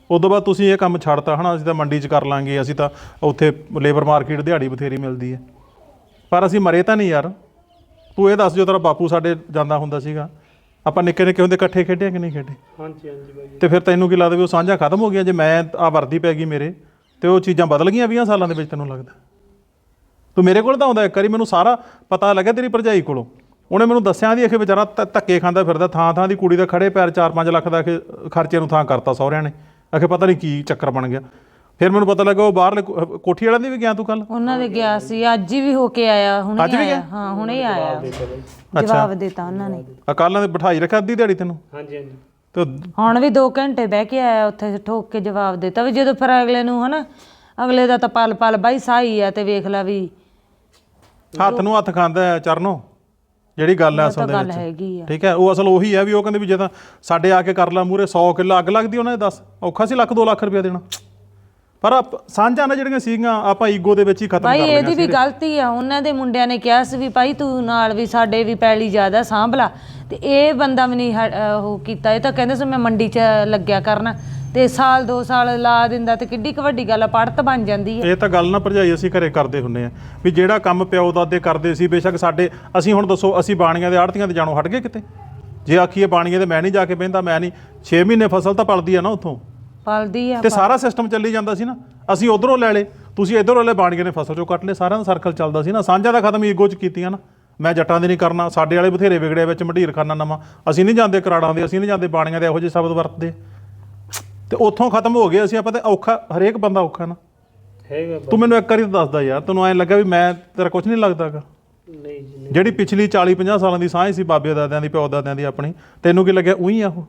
ਉਦੋਂ ਬਾਅਦ ਤੁਸੀਂ ਇਹ ਕੰਮ ਛੱਡਤਾ ਹੈ ਨਾ, ਅਸੀਂ ਤਾਂ ਮੰਡੀ 'ਚ ਕਰ ਲਾਂਗੇ, ਅਸੀਂ ਤਾਂ ਉੱਥੇ ਲੇਬਰ ਮਾਰਕੀਟ ਦਿਹਾੜੀ ਬਥੇਰੀ ਮਿਲਦੀ ਹੈ, ਪਰ ਅਸੀਂ ਮਰੇ ਤਾਂ ਨਹੀਂ ਯਾਰ। ਤੂੰ ਇਹ ਦੱਸ, ਜੋ ਤੇਰਾ ਬਾਪੂ ਸਾਡੇ ਜਾਂਦਾ ਹੁੰਦਾ ਸੀਗਾ, ਆਪਾਂ ਨਿੱਕੇ ਨਿੱਕੇ ਹੁੰਦੇ ਇਕੱਠੇ ਖੇਡੇ ਕਿ ਨਹੀਂ ਖੇਡੇ?
ਹਾਂਜੀ ਹਾਂਜੀ ਬਾਈ।
ਤੇ ਫਿਰ ਤੈਨੂੰ ਕੀ ਲੱਗਦਾ ਵੀ ਉਹ ਸਾਂਝਾ ਖਤਮ ਹੋ ਗਿਆ? ਜੇ ਮੈਂ ਆ ਵਰਦੀ ਪੈ ਗਈ ਮੇਰੇ ਤੇ ਉਹ ਚੀਜ਼ਾਂ ਬਦਲ ਗਈਆਂ 20 ਸਾਲਾਂ ਦੇ ਵਿੱਚ, ਤੈਨੂੰ ਲੱਗਦਾ? ਤੂੰ ਮੇਰੇ ਕੋਲ ਤਾਂ ਆਉਂਦਾ ਇੱਕ ਵਾਰੀ, ਮੈਨੂੰ ਸਾਰਾ ਪਤਾ ਲੱਗਿਆ ਤੇਰੀ ਭਰਜਾਈ ਕੋਲੋਂ, ਉਹਨੇ ਮੈਨੂੰ ਦੱਸਿਆ ਦੀ ਅਖੇ ਵਿਚਾਰਾ ਧੱਕੇ ਖਾਂਦਾ ਫਿਰਦਾ, ਥਾਂ ਥਾਂ ਦੀ ਕੁੜੀ ਦਾ ਖੜੇ ਪੈਰ 4-5 ਲੱਖ ਦਾ ਅਖੇ ਖਰਚੇ ਨੂੰ ਥਾਂ ਕਰਤਾ ਸਹੁਰਿਆਂ ਨੇ, ਅਖੇ ਪਤਾ ਨਹੀਂ ਕੀ ਚੱਕਰ ਬਣ ਗਿਆ। ਫਿਰ ਮੈਨੂੰ ਪਤਾ ਲੱਗਾ ਉਹ ਬਾਹਰਲੇ ਕੋਠੀ ਵਾਲਿਆਂ ਦੀ ਵੀ ਗਿਆ ਤੂੰ ਕੱਲ?
ਉਹਨਾਂ ਦੇ ਗਿਆ ਸੀ, ਅੱਜ ਹੀ ਵੀ ਹੋ ਕੇ ਆਇਆ, ਹੁਣੇ
ਅੱਜ ਵੀ
ਆਇਆ।
ਗਿਆ?
ਹਾਂ ਹੁਣੇ ਹੀ ਆਇਆ, ਜਵਾਬ ਦਿੱਤਾ ਉਹਨਾਂ ਨੇ।
ਕੱਲ੍ਹ ਦੇ ਬਿਠਾਈ ਰੱਖਿਆ ਅੱਧੀ ਦਿਹਾੜੀ ਤੈਨੂੰ?
ਹਾਂਜੀ ਹਾਂਜੀ।
ਤੇ
ਹੁਣ ਵੀ 2 ਘੰਟੇ ਬਹਿ ਕੇ ਆਇਆ ਉੱਥੇ, ਠੋਕ ਕੇ ਜਵਾਬ ਦਿੱਤਾ ਵੀ ਜਦੋਂ ਫਿਰ ਅਗਲੇ ਨੂੰ ਹਨਾ, ਅਗਲੇ ਦਾ ਤਾਂ ਪਲ ਪਲ ਬਾਈ ਸਾਈ ਆ, ਤੇ ਵੇਖ ਲੈ ਵੀ
ਹੱਥ ਨੂੰ ਹੱਥ ਖਾਂਦਾ ਹੈ ਚਰਨੋ, ਜਿਹੜੀ ਗੱਲ ਹੈ ਅਸਲ ਦੇ
ਗੱਲ
ਵਿੱਚ,
ਹੈਗੀ ਆ।
ਠੀਕ ਹੈ। ਉਹ ਅਸਲ ਉਹੀ ਹੈ ਵੀ ਉਹ ਕਹਿੰਦੇ ਵੀ ਜੇ ਤਾਂ ਸਾਡੇ ਆ ਕੇ ਕਰ ਲਾ ਮੂਹਰੇ 100 ਕਿੱਲਾ ਅੱਗ ਲੱਗਦੀ ਉਹਨਾਂ ਦੇ, ਦੱਸ ਔਖਾ ਸੀ 1-2 ਲੱਖ ਰੁਪਇਆ ਦੇਣਾ? ਪਰ ਸਾਂਝਾਂ ਨਾ ਜਿਹੜੀਆਂ ਸੀਗੀਆਂ ਆਪਾਂ ਈਗੋ ਦੇ ਵਿੱਚ ਹੀ ਖਤਮ ਕਰ
ਭਾਈ
ਲਈਆਂ
ਇਹਦੀ ਵੀ ਗਲਤੀ ਆ, ਉਹਨਾਂ ਦੇ ਮੁੰਡਿਆਂ ਨੇ ਕਿਹਾ ਸੀ ਵੀ ਭਾਈ ਤੂੰ ਨਾਲ ਵੀ ਸਾਡੇ ਵੀ ਪੈਲੀ ਜ਼ਿਆਦਾ ਸਾਂਭ ਲਾ, ਤੇ ਇਹ ਬੰਦਾ ਵੀ ਨਹੀਂ ਉਹ ਕੀਤਾ। ਇਹ ਤਾਂ ਕਹਿੰਦੇ ਸੀ ਮੈਂ ਮੰਡੀ 'ਚ ਲੱਗਿਆ ਕਰਨਾ, ਤੇ ਸਾਲ 2 ਸਾਲ ਲਾ ਦਿੰਦਾ, ਤੇ ਕਿੱਡੀ ਕੁ ਵੱਡੀ ਗੱਲ ਆ, ਪੜਤ ਬਣ ਜਾਂਦੀ ਹੈ।
ਇਹ ਤਾਂ ਗੱਲ ਨਾ ਭਰਜਾਈ ਅਸੀਂ ਘਰੇ ਕਰਦੇ ਹੁੰਦੇ ਆ ਵੀ ਜਿਹੜਾ ਕੰਮ ਪਿਓ ਦਾਦੇ ਕਰਦੇ ਸੀ, ਬੇਸ਼ੱਕ ਸਾਡੇ, ਅਸੀਂ ਹੁਣ ਦੱਸੋ ਅਸੀਂ ਬਾਣੀਆਂ ਦੇ ਆੜਤੀਆਂ ਤੇ ਜਾਣੋਂ ਹਟ ਗਏ ਕਿਤੇ? ਜੇ ਆਖੀਏ ਬਾਣੀਆਂ ਦੇ ਮੈਂ ਨਹੀਂ ਜਾ ਕੇ ਬਹਿੰਦਾ, ਮੈਂ ਨਹੀਂ, 6 ਮਹੀਨੇ ਫਸਲ ਤਾਂ ਪਲਦੀ ਆ ਨਾ ਉੱਥੋਂ,
ਪਲਦੀ ਆ,
ਤੇ ਸਾਰਾ ਸਿਸਟਮ ਚੱਲੀ ਜਾਂਦਾ ਸੀ ਨਾ। ਅਸੀਂ ਉਧਰੋਂ ਲੈ ਲਏ, ਤੁਸੀਂ ਇੱਧਰੋਂ ਲੈ, ਬਾਣੀਆਂ ਨੇ ਫਸਲ ਚੋਂ ਕੱਟ ਲਏ, ਸਾਰਿਆਂ ਦਾ ਸਰਕਲ ਚੱਲਦਾ ਸੀ ਨਾ। ਸਾਂਝਾ ਦਾ ਖਤਮ ਈਗੋ 'ਚ ਕੀਤੀਆਂ ਨਾ, ਮੈਂ ਜੱਟਾਂ ਦੇ ਨਹੀਂ ਕਰਨਾ, ਸਾਡੇ ਵਾਲੇ ਬਥੇਰੇ ਵਿਗੜੇ ਵਿੱਚ ਮੰਡੀਰ ਖਾਨਾ ਨਵਾਂ, ਅਸੀਂ ਨਹੀਂ ਜਾਂਦੇ ਕਰਾੜਾਂ ਦੇ, ਅਸੀਂ ਨਹੀਂ ਜਾਂਦੇ ਬਾਣੀਆਂ ਦੇ, ਇਹੋ ਜਿਹੇ ਸ਼ਬਦ ਵਰਤਦੇ, ਤੇ ਉੱਥੋਂ ਖਤਮ ਹੋ ਗਏ ਅਸੀਂ। ਆਪਾਂ ਤੇ ਔਖਾ, ਹਰੇਕ ਬੰਦਾ ਔਖਾ ਨਾ
ਹੈਗਾ।
ਤੂੰ ਮੈਨੂੰ ਇੱਕ ਵਾਰੀ ਤਾਂ ਦੱਸਦਾ ਯਾਰ, ਤੈਨੂੰ ਐਂ ਲੱਗਾ ਵੀ ਮੈਂ ਤੇਰਾ ਕੁਝ ਨਹੀਂ ਲੱਗਦਾਗਾ?
ਨਹੀਂ ਜੀ।
ਜਿਹੜੀ ਪਿਛਲੀ 40-50 ਸਾਲਾਂ ਦੀ ਸਾਂਝ ਸੀ ਬਾਬੇ ਦਾਦਿਆਂ ਦੀ, ਪਿਓ ਦਾਦਿਆਂ ਦੀ ਆਪਣੀ, ਤੈਨੂੰ ਕੀ ਲੱਗਿਆ ਉਹੀ ਆ ਉਹ?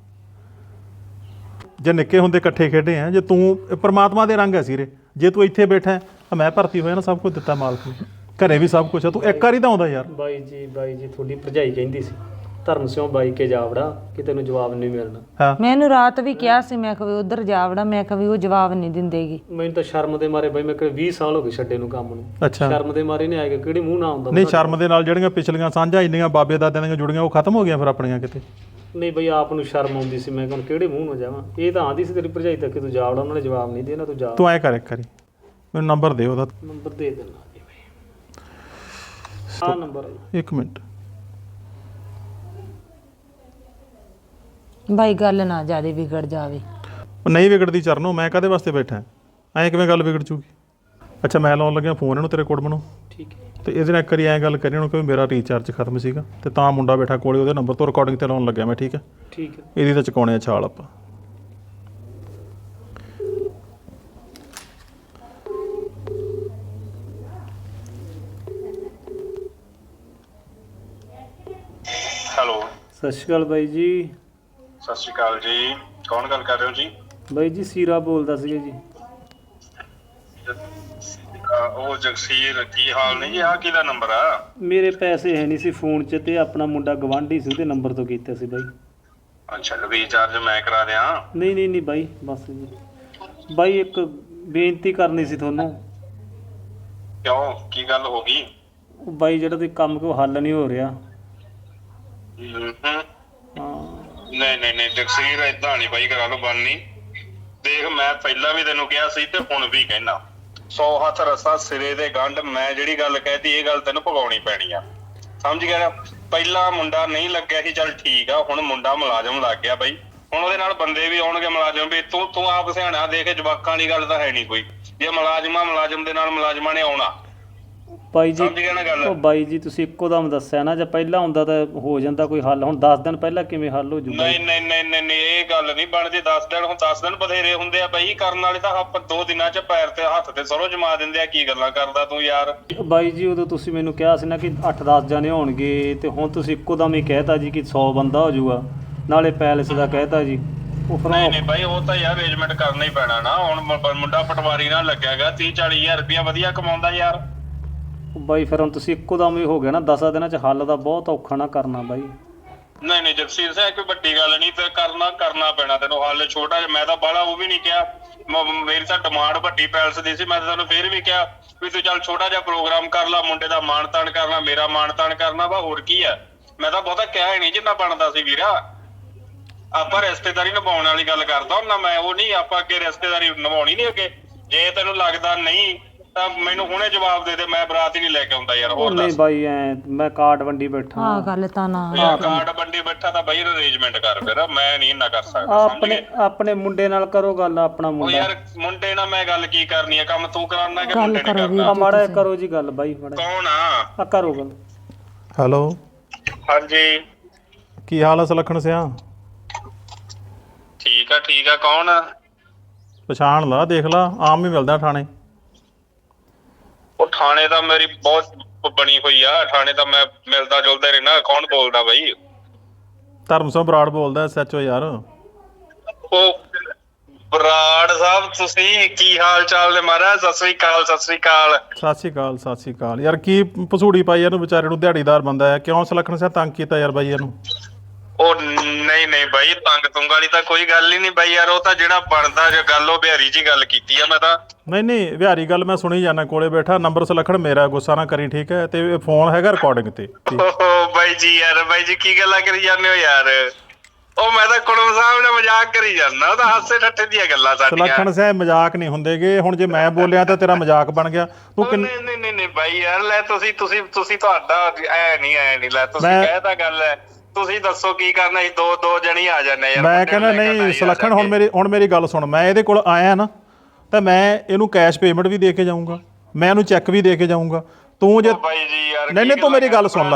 ਜੇ ਨਿੱਕੇ ਹੁੰਦੇ ਇਕੱਠੇ ਖੇਡੇ ਆ, ਜੇ ਤੂੰ ਪਰਮਾਤਮਾ ਦੇ ਰੰਗ ਹੈ ਸੀਰੇ, ਜੇ ਤੂੰ ਇੱਥੇ ਬੈਠਾ ਮੈਂ ਭਰਤੀ ਹੋਇਆ ਨਾ, ਸਭ ਕੁਝ ਦਿੱਤਾ ਮਾਲਕ ਨੇ, ਘਰੇ ਵੀ ਸਭ ਕੁਝ ਆ, ਤੂੰ ਇੱਕ ਵਾਰੀ ਤਾਂ ਆਉਂਦਾ ਯਾਰ।
ਬਾਈ ਜੀ ਤੁਹਾਡੀ ਭਰਜਾਈ ਕਹਿੰਦੀ ਸੀ ਧਰਮ ਸਿਉਂ ਬਾਈ ਕੇ ਜਾਵੜਾ ਕਿ ਤੈਨੂੰ ਜਵਾਬ ਨਹੀਂ ਮਿਲਣਾ।
ਹਾਂ,
ਮੈਂ ਇਹਨੂੰ ਰਾਤ ਵੀ ਕਿਹਾ ਸੀ, ਮੈਂ ਕਿਹਾ ਵੀ ਉਧਰ ਜਾਵੜਾ, ਮੈਂ ਕਿਹਾ ਵੀ ਉਹ ਜਵਾਬ ਨਹੀਂ ਦਿੰਦੇਗੀ।
ਮੈਨੂੰ ਤਾਂ ਸ਼ਰਮ ਦੇ ਮਾਰੇ ਬਾਈ, ਮੈਂ ਕਿਹਾ 20 ਸਾਲ ਹੋ ਗਏ ਛੱਡੇ ਨੂੰ ਕੰਮ ਨੂੰ,
ਅੱਛਾ।
ਸ਼ਰਮ ਦੇ ਮਾਰੇ ਨਹੀਂ ਆਏਗਾ, ਕਿਹੜੀ ਮੂੰਹ ਨਾ ਆਉਂਦਾ?
ਨਹੀਂ, ਸ਼ਰਮ ਦੇ ਨਾਲ ਜਿਹੜੀਆਂ ਪਿਛਲੀਆਂ ਸਾਂਝਾਂ ਇੰਨੀਆਂ ਬਾਬੇ ਦਾਦਿਆਂ ਦੀਆਂ ਜੁੜੀਆਂ, ਉਹ ਖਤਮ ਹੋ ਗਈਆਂ ਫਿਰ ਆਪਣੀਆਂ ਕਿਤੇ?
ਨਹੀਂ ਬਈ, ਆਪ ਨੂੰ ਸ਼ਰਮ ਆਉਂਦੀ ਸੀ, ਮੈਂ ਕਿਹਾ ਕਿਹੜੇ ਮੂੰਹ ਨਾਲ ਜਾਵਾਂ? ਇਹ ਤਾਂ ਆਂਦੀ ਸੀ ਤੇਰੀ ਭਰਜਾਈ ਤੱਕ ਕਿ ਤੂੰ ਜਾਵੜਾ, ਉਹਨਾਂ ਨੇ ਜਵਾਬ ਨਹੀਂ ਦੇਣਾ, ਤੂੰ ਜਾ।
ਤੂੰ ਐਂ ਕਰ ਇੱਕ ਵਾਰੀ, ਮੈਨੂੰ ਨੰਬਰ ਦੇ ਉਹਦਾ।
ਨੰਬਰ ਦੇ ਦੇਣਾ ਜੀ ਬਈ, ਆਹ ਨੰਬਰ ਹੈ।
1 ਮਿੰਟ।
ਬਾਈ ਗੱਲ ਨਾ ਜਿਆਦਾ ਵਿਗੜ ਜਾਵੇ।
ਉਹ ਨਹੀਂ ਵਿਗੜਦੀ ਚਰਨੋ, ਮੈਂ ਕਾਹਦੇ ਵਾਸਤੇ ਬੈਠਾ? ਐਂ ਕਿਵੇਂ ਗੱਲ ਵਿਗੜ ਚੂਗੀ? ਅੱਛਾ, ਮੈਂ ਲਾਉਣ ਲੱਗਿਆ ਫੋਨ ਇਹਨੂੰ, ਤੇਰੇ ਕੁੜਮ ਨੂੰ,
ਠੀਕ ਹੈ।
ਤੇ ਇਹਦੇ ਨਾਲ ਇੱਕ ਵਾਰੀ ਐਂ ਗੱਲ ਕਰੀ ਉਹਨੂੰ ਕਿ ਮੇਰਾ ਰੀਚਾਰਜ ਖਤਮ ਸੀਗਾ, ਤੇ ਤਾਂ ਮੁੰਡਾ ਬੈਠਾ ਕੋਲੇ, ਉਹਦੇ ਨੰਬਰ ਤੋਂ ਰਿਕਾਰਡਿੰਗ ਤੇ ਲਾਉਣ ਲੱਗਿਆ ਮੈਂ, ਠੀਕ ਹੈ?
ਠੀਕ ਹੈ।
ਇਹਦੀ ਤਾਂ ਚੁਕਾਉਣੇ ਆ ਛਾਲ ਆਪਾਂ।
ਹੈਲੋ,
ਸਤਿ ਸ਼੍ਰੀ ਅਕਾਲ ਬਾਈ ਜੀ।
ਸਤਿ ਸ਼੍ਰੀ ਅਕਾਲ ਜੀ। ਕੌਣ ਗੱਲ ਕਰ ਰਹੇ ਹੋ ਜੀ?
ਬਾਈ ਜੀ ਸੀਰਾ ਬੋਲਦਾ ਸੀਗਾ ਜੀ।
ਉਹ ਜਗਸੀਰ, ਕੀ ਹਾਲ ਨੇ ਜੀ? ਆਹ ਕਿਹਦਾ ਨੰਬਰ ਆ?
ਮੇਰੇ ਪੈਸੇ ਹੈ ਨਹੀਂ ਸੀ ਫੋਨ 'ਚ, ਤੇ ਆਪਣਾ ਮੁੰਡਾ ਗਵਾਂਢੀ ਸੀ, ਉਹਦੇ ਨੰਬਰ ਤੋਂ ਕੀਤਾ ਸੀ ਬਾਈ।
ਅੱਛਾ, ਰੀਚਾਰਜ ਮੈਂ ਕਰਾ ਦਿਆਂ?
ਨਹੀਂ ਬਾਈ, ਬਸ ਜੀ ਬਾਈ, ਇੱਕ ਬੇਨਤੀ ਕਰਨੀ ਸੀ ਤੁਹਾਨੂੰ।
ਕਿਉਂ, ਕੀ ਗੱਲ ਹੋ ਗਈ?
ਉਹ ਬਾਈ ਜਿਹੜਾ ਤੁਸੀਂ ਕੰਮ ਕੋ ਹੱਲ ਨਹੀਂ ਹੋ ਰਿਹਾ। ਹਾਂ
ਨਹੀਂ ਜਗਸੀਰ, ਏਦਾਂ ਨਹੀਂ ਬਾਈ, ਕਰਾ ਲਓ, ਬਣਨੀ। ਦੇਖ, ਮੈਂ ਪਹਿਲਾਂ ਵੀ ਤੈਨੂੰ ਕਿਹਾ ਸੀ ਤੇ ਹੁਣ ਵੀ ਕਹਿਣਾ, 100 ਹੱਥ ਰਸਾ ਸਿਰੇ ਦੇ ਗੰਢ। ਮੈਂ ਜਿਹੜੀ ਗੱਲ ਕਹਿਤੀ, ਇਹ ਗੱਲ ਤੈਨੂੰ ਭਗਾਉਣੀ ਪੈਣੀ ਆ, ਸਮਝ ਗਿਆ ਨਾ? ਪਹਿਲਾਂ ਮੁੰਡਾ ਨਹੀਂ ਲੱਗਿਆ ਸੀ, ਚੱਲ ਠੀਕ ਆ, ਹੁਣ ਮੁੰਡਾ ਮੁਲਾਜ਼ਮ ਲੱਗ ਗਿਆ ਬਾਈ, ਹੁਣ ਉਹਦੇ ਨਾਲ ਬੰਦੇ ਵੀ ਆਉਣਗੇ ਮੁਲਾਜ਼ਮ ਵੀ। ਤੂੰ ਆਪ ਸਿਆਣਾ, ਦੇਖ ਜਵਾਕਾਂ ਵਾਲੀ ਗੱਲ ਤਾਂ ਹੈ ਨਹੀਂ ਕੋਈ। ਜੇ ਮੁਲਾਜ਼ਮ ਦੇ ਨਾਲ ਮੁਲਾਜ਼ਮਾਂ ਨੇ ਆਉਣਾ,
ਬਾਈ ਜੀ।
ਸਮਝ ਗਿਆ ਨਾ ਗੱਲ?
ਉਹ ਬਾਈ ਜੀ, ਤੁਸੀਂ ਇੱਕੋ ਦਮ ਦੱਸਿਆ ਨਾ, ਜੇ ਪਹਿਲਾਂ ਹੁੰਦਾ ਤਾਂ ਹੋ ਜਾਂਦਾ ਕੋਈ ਹੱਲ, ਹੁਣ 10 ਦਿਨ ਪਹਿਲਾਂ ਕਿਵੇਂ ਹੱਲ ਹੋ ਜੂਗਾ?
ਨਹੀਂ, ਇਹ ਗੱਲ ਨਹੀਂ ਬਣਦੀ। 10 ਦਿਨ, ਹੁਣ 10 ਦਿਨ ਬਥੇਰੇ ਹੁੰਦੇ ਆ ਬਾਈ, ਕਰਨ ਵਾਲੇ ਤਾਂ ਆਪਾਂ 2 ਦਿਨਾਂ ਚ ਪੈਰ ਤੇ ਹੱਥ ਤੇ ਸਰੋਂ ਜਮਾ ਦਿੰਦੇ ਆ। ਕੀ ਗੱਲਾਂ ਕਰਦਾ ਤੂੰ ਯਾਰ?
ਬਾਈ ਜੀ, ਉਦੋਂ ਤੁਸੀਂ ਮੈਨੂੰ ਕਿਹਾ ਸੀ ਨਾ ਕਿ 8-10 ਜਣੇ ਹੋਣਗੇ, ਤੇ ਹੁਣ ਤੁਸੀਂ ਇੱਕੋ ਦਮ ਹੀ ਕਹਿਤਾ ਜੀ ਕਿ 100 ਬੰਦਾ ਹੋ ਜਾਊਗਾ, ਨਾਲੇ ਪੈਲਸ ਦਾ ਕਹਿਤਾ ਜੀ।
ਨਹੀਂ ਬਾਈ, ਉਹ ਤਾਂ ਯਾਰ ਅਰੇਂਜਮੈਂਟ ਕਰਨਾ ਹੀ ਪੈਣਾ ਨਾ। ਹੁਣ ਮੁੰਡਾ ਪਟਵਾਰੀ ਨਾਲ ਲੱਗਿਆਗਾ, 30-40 ਹਜ਼ਾਰ ਰੁਪਇਆ ਵਧੀਆ ਕਮਾਉਂਦਾ ਯਾਰ।
ਬਾਈ ਫਿਰ ਹੁਣ ਤੁਸੀਂ ਇੱਕੋ ਦਮ ਹੀ ਹੋ ਗਿਆ ਨਾ, 10 ਦਿਨਾਂ ਚ ਹੱਲ ਦਾ ਬਹੁਤ ਔਖਾ ਨਾ ਕਰਨਾ ਬਾਈ।
ਨਹੀਂ ਜਗਸੀਰ ਸਿੰਘ, ਕੋਈ ਵੱਡੀ ਗੱਲ ਨਹੀਂ, ਤੇ ਕਰਨਾ ਪੈਣਾ ਤੈਨੂੰ ਹੱਲ। ਛੋਟਾ ਜਿਹਾ ਮੈਂ ਤਾਂ ਬਾਹਲਾ ਉਹ ਵੀ ਨਹੀਂ ਕਿਹਾ, ਮੇਰੀ ਤਾਂ ਡਿਮਾਂਡ ਵੱਡੀ ਪੈਲਸ ਦੀ ਸੀ। ਮੈਂ ਤਾਂ ਤੈਨੂੰ ਫੇਰ ਵੀ ਕਿਹਾ ਵੀ ਤੂੰ ਚੱਲ ਛੋਟਾ ਜਿਹਾ ਪ੍ਰੋਗਰਾਮ ਕਰ ਲਾ, ਮੁੰਡੇ ਦਾ ਮਾਣ ਤਾਣ ਕਰਨਾ, ਮੇਰਾ ਮਾਣ ਤਾਣ ਕਰਨਾ ਵਾ, ਹੋਰ ਕੀ ਆ? ਮੈਂ ਤਾਂ ਬਹੁਤਾ ਕਿਹਾ ਹੀ ਨਹੀਂ ਜਿੰਨਾ ਬਣਦਾ ਸੀ ਵੀਰਾ। ਆਪਾਂ ਰਿਸ਼ਤੇਦਾਰੀ ਨਿਭਾਉਣ ਵਾਲੀ ਗੱਲ ਕਰਦਾ ਹੁੰਦਾ ਮੈਂ, ਉਹ ਨਹੀਂ ਆਪਾਂ ਅੱਗੇ ਰਿਸ਼ਤੇਦਾਰੀ ਨਿਭਾਉਣੀ ਨਹੀਂ ਅੱਗੇ। ਜੇ ਤੈਨੂੰ ਲੱਗਦਾ ਨਹੀਂ ਤਾਂ ਮੈਨੂੰ ਹੁਣੇ ਜਵਾਬ ਦੇ ਦੇ, ਮੈਂ ਬਰਾਤ ਹੀ ਨਹੀਂ ਲੈ ਕੇ ਆਉਂਦਾ ਯਾਰ। ਹੋਰ
ਨਹੀਂ
ਦੱਸ।
ਬਾਈ ਐ ਮੈਂ ਕਾਰਡ ਵੰਡੀ ਬੈਠਾ
ਆਹ ਗੱਲ ਤਾਂ ਨਾ
ਯਾਰ ਕਾਰਡ ਬੰਡੀ ਬੈਠਾ ਤਾਂ ਬਈ ਅਰੇਂਜਮੈਂਟ ਕਰ, ਫਿਰ ਮੈਂ ਨਹੀਂ ਇੰਨਾ ਕਰ ਸਕਦਾ। ਸਮਝ ਗਏ?
ਆਪਣੇ ਮੁੰਡੇ ਨਾਲ ਕਰੋ ਗੱਲ, ਆਪਣਾ
ਉਹ
ਮੁੰਡਾ
ਯਾਰ ਮੁੰਡੇ ਨਾਲ ਮੈਂ ਗੱਲ ਕੀ ਕਰਨੀ ਆ, ਕੰਮ ਤੂੰ ਕਰਾਉਣਾ ਕਿ ਮੁੰਡੇ ਨੇ
ਕਰੋ
ਕਰਨਾ?
ਆ ਮਾੜਾ ਜਿਹਾ ਕਰੋ ਜੀ ਗੱਲ ਬਾਈ, ਮਾੜਾ
ਕੌਣ ਆ?
ਆ ਕਰੋ ਗੱਲ।
ਹੈਲੋ,
ਹਾਂਜੀ
ਕੀ ਹਾਲ ਹੈ ਸੁਲੱਖਣ ਸਿਆ?
ਠੀਕ ਆ। ਕੌਣ?
ਪਛਾਣ ਲਾ, ਦੇਖ ਲਾ, ਆਮ ਹੀ ਮਿਲਦਾ ਥਾਣੇ।
ਉਹ ਥਾਣੇ ਤਾਂ ਮੇਰੀ ਬਹੁਤ ਬਣੀ ਹੋਈ ਆ, ਥਾਣੇ ਤਾਂ ਮੈਂ ਮਿਲਦਾ ਜੁਲਦਾ ਰਹਿਣਾ। ਕੌਣ ਬੋਲਦਾ ਬਈ?
ਧਰਮ ਸਿੰਘ ਬਰਾੜ ਬੋਲਦਾ, SHO ਯਾਰ।
ਉਹ ਬਰਾੜ ਸਾਹਿਬ, ਤੁਸੀਂ ਕੀ ਹਾਲ ਚਾਲ ਨੇ ਮਹਾਰਾਜ? ਸਤਿ ਸ੍ਰੀ ਅਕਾਲ।
ਸਤਿ ਸ਼੍ਰੀ ਅਕਾਲ ਯਾਰ। ਕੀ ਪਸੂੜੀ ਪਾਈ ਇਹਨੂੰ ਵਿਚਾਰੇ ਨੂੰ, ਦਿਹਾੜੀਦਾਰ ਬੰਦਾ ਹੈ। ਕਿਉਂ ਸੁਲੱਖਣ ਸਿਆ ਤੰਗ ਕੀਤਾ ਯਾਰ ਬਾਈ ਇਹਨੂੰ?
ਉਹ ਨਹੀਂ ਬਾਈ, ਤੰਗ ਤੁੰਗ ਵਾਲੀ ਤਾਂ ਕੋਈ ਗੱਲ ਹੀ ਨਹੀਂ ਬਾਈ ਯਾਰ। ਉਹ ਤਾਂ ਜਿਹੜਾ ਬਣਦਾ ਜੋ ਗੱਲ, ਉਹ ਬਿਹਾਰੀ ਜੀ ਗੱਲ ਕੀਤੀ ਆ ਮੈਂ ਤਾਂ।
ਨਹੀਂ ਵਿਹਾਰੀ ਗੱਲ ਮੈਂ ਸੁਣੀ ਜਾਣਾ, ਕੋਲੇ ਬੈਠਾ। ਨੰਬਰ ਸੁਲੱਖਣ ਮੇਰਾ, ਗੁੱਸਾ ਨਾ ਕਰੀ ਠੀਕ ਹੈ? ਤੇ ਫੋਨ ਹੈਗਾ ਰਿਕਾਰਡਿੰਗ ਤੇ।
ਓਹੋ ਬਾਈ ਜੀ ਕੀ ਗੱਲਾਂ ਕਰੀ ਜਾਂਦੇ ਹੋ ਯਾਰ? ਉਹ ਮੈਂ ਤਾਂ ਕੁੜਮ ਸਾਹਿਬ ਨਾਲ ਮਜ਼ਾਕ ਕਰੀ ਜਾਂਦਾ, ਉਹ ਤਾਂ ਹਾਸੇ ਠੱਠੇ ਦੀਆਂ ਗੱਲਾਂ ਸਾਡੀਆਂ।
ਸੁਲੱਖਣ ਸਿਆ ਮਜ਼ਾਕ ਨਹੀਂ ਹੁੰਦੇਗੇ। ਹੁਣ ਜੇ ਮੈਂ ਬੋਲਿਆ ਤਾਂ ਤੇਰਾ ਮਜ਼ਾਕ ਬਣ ਗਿਆ। ਤੂੰ
ਨਹੀਂ ਬਾਈ ਯਾਰ, ਲੈ ਤੁਸੀਂ ਤੁਹਾਡਾ ਐ ਨਹੀਂ ਲੈ, ਤੁਸੀਂ ਕਹਿਤਾ ਗੱਲ ਹੈ। ਤੁਸੀਂ ਦੱਸੋ ਕੀ ਕਰਨਾ ਸੀ? ਦੋ ਜਣੀ ਆ ਜਾਂਦੇ ਯਾਰ।
ਮੈਂ ਕਹਿੰਦਾ ਨਹੀਂ ਸੁਲੱਖਣ, ਹੁਣ ਮੇਰੀ ਗੱਲ ਸੁਣ। ਮੈਂ ਇਹਦੇ ਕੋਲ ਆਇਆ ਨਾ ਤਾਂ ਮੈਂ ਇਹਨੂੰ ਕੈਸ਼ ਪੇਮੈਂਟ ਵੀ ਦੇ ਕੇ ਜਾਊਂਗਾ, ਮੈਂ ਇਹਨੂੰ ਚੈੱਕ ਵੀ ਦੇ ਕੇ ਜਾਊਂਗਾ। ਤੂੰ ਜੇ
ਬਾਈ ਜੀ ਯਾਰ,
ਨਹੀਂ ਤੂੰ ਮੇਰੀ ਗੱਲ ਸੁਣ ਲਾ।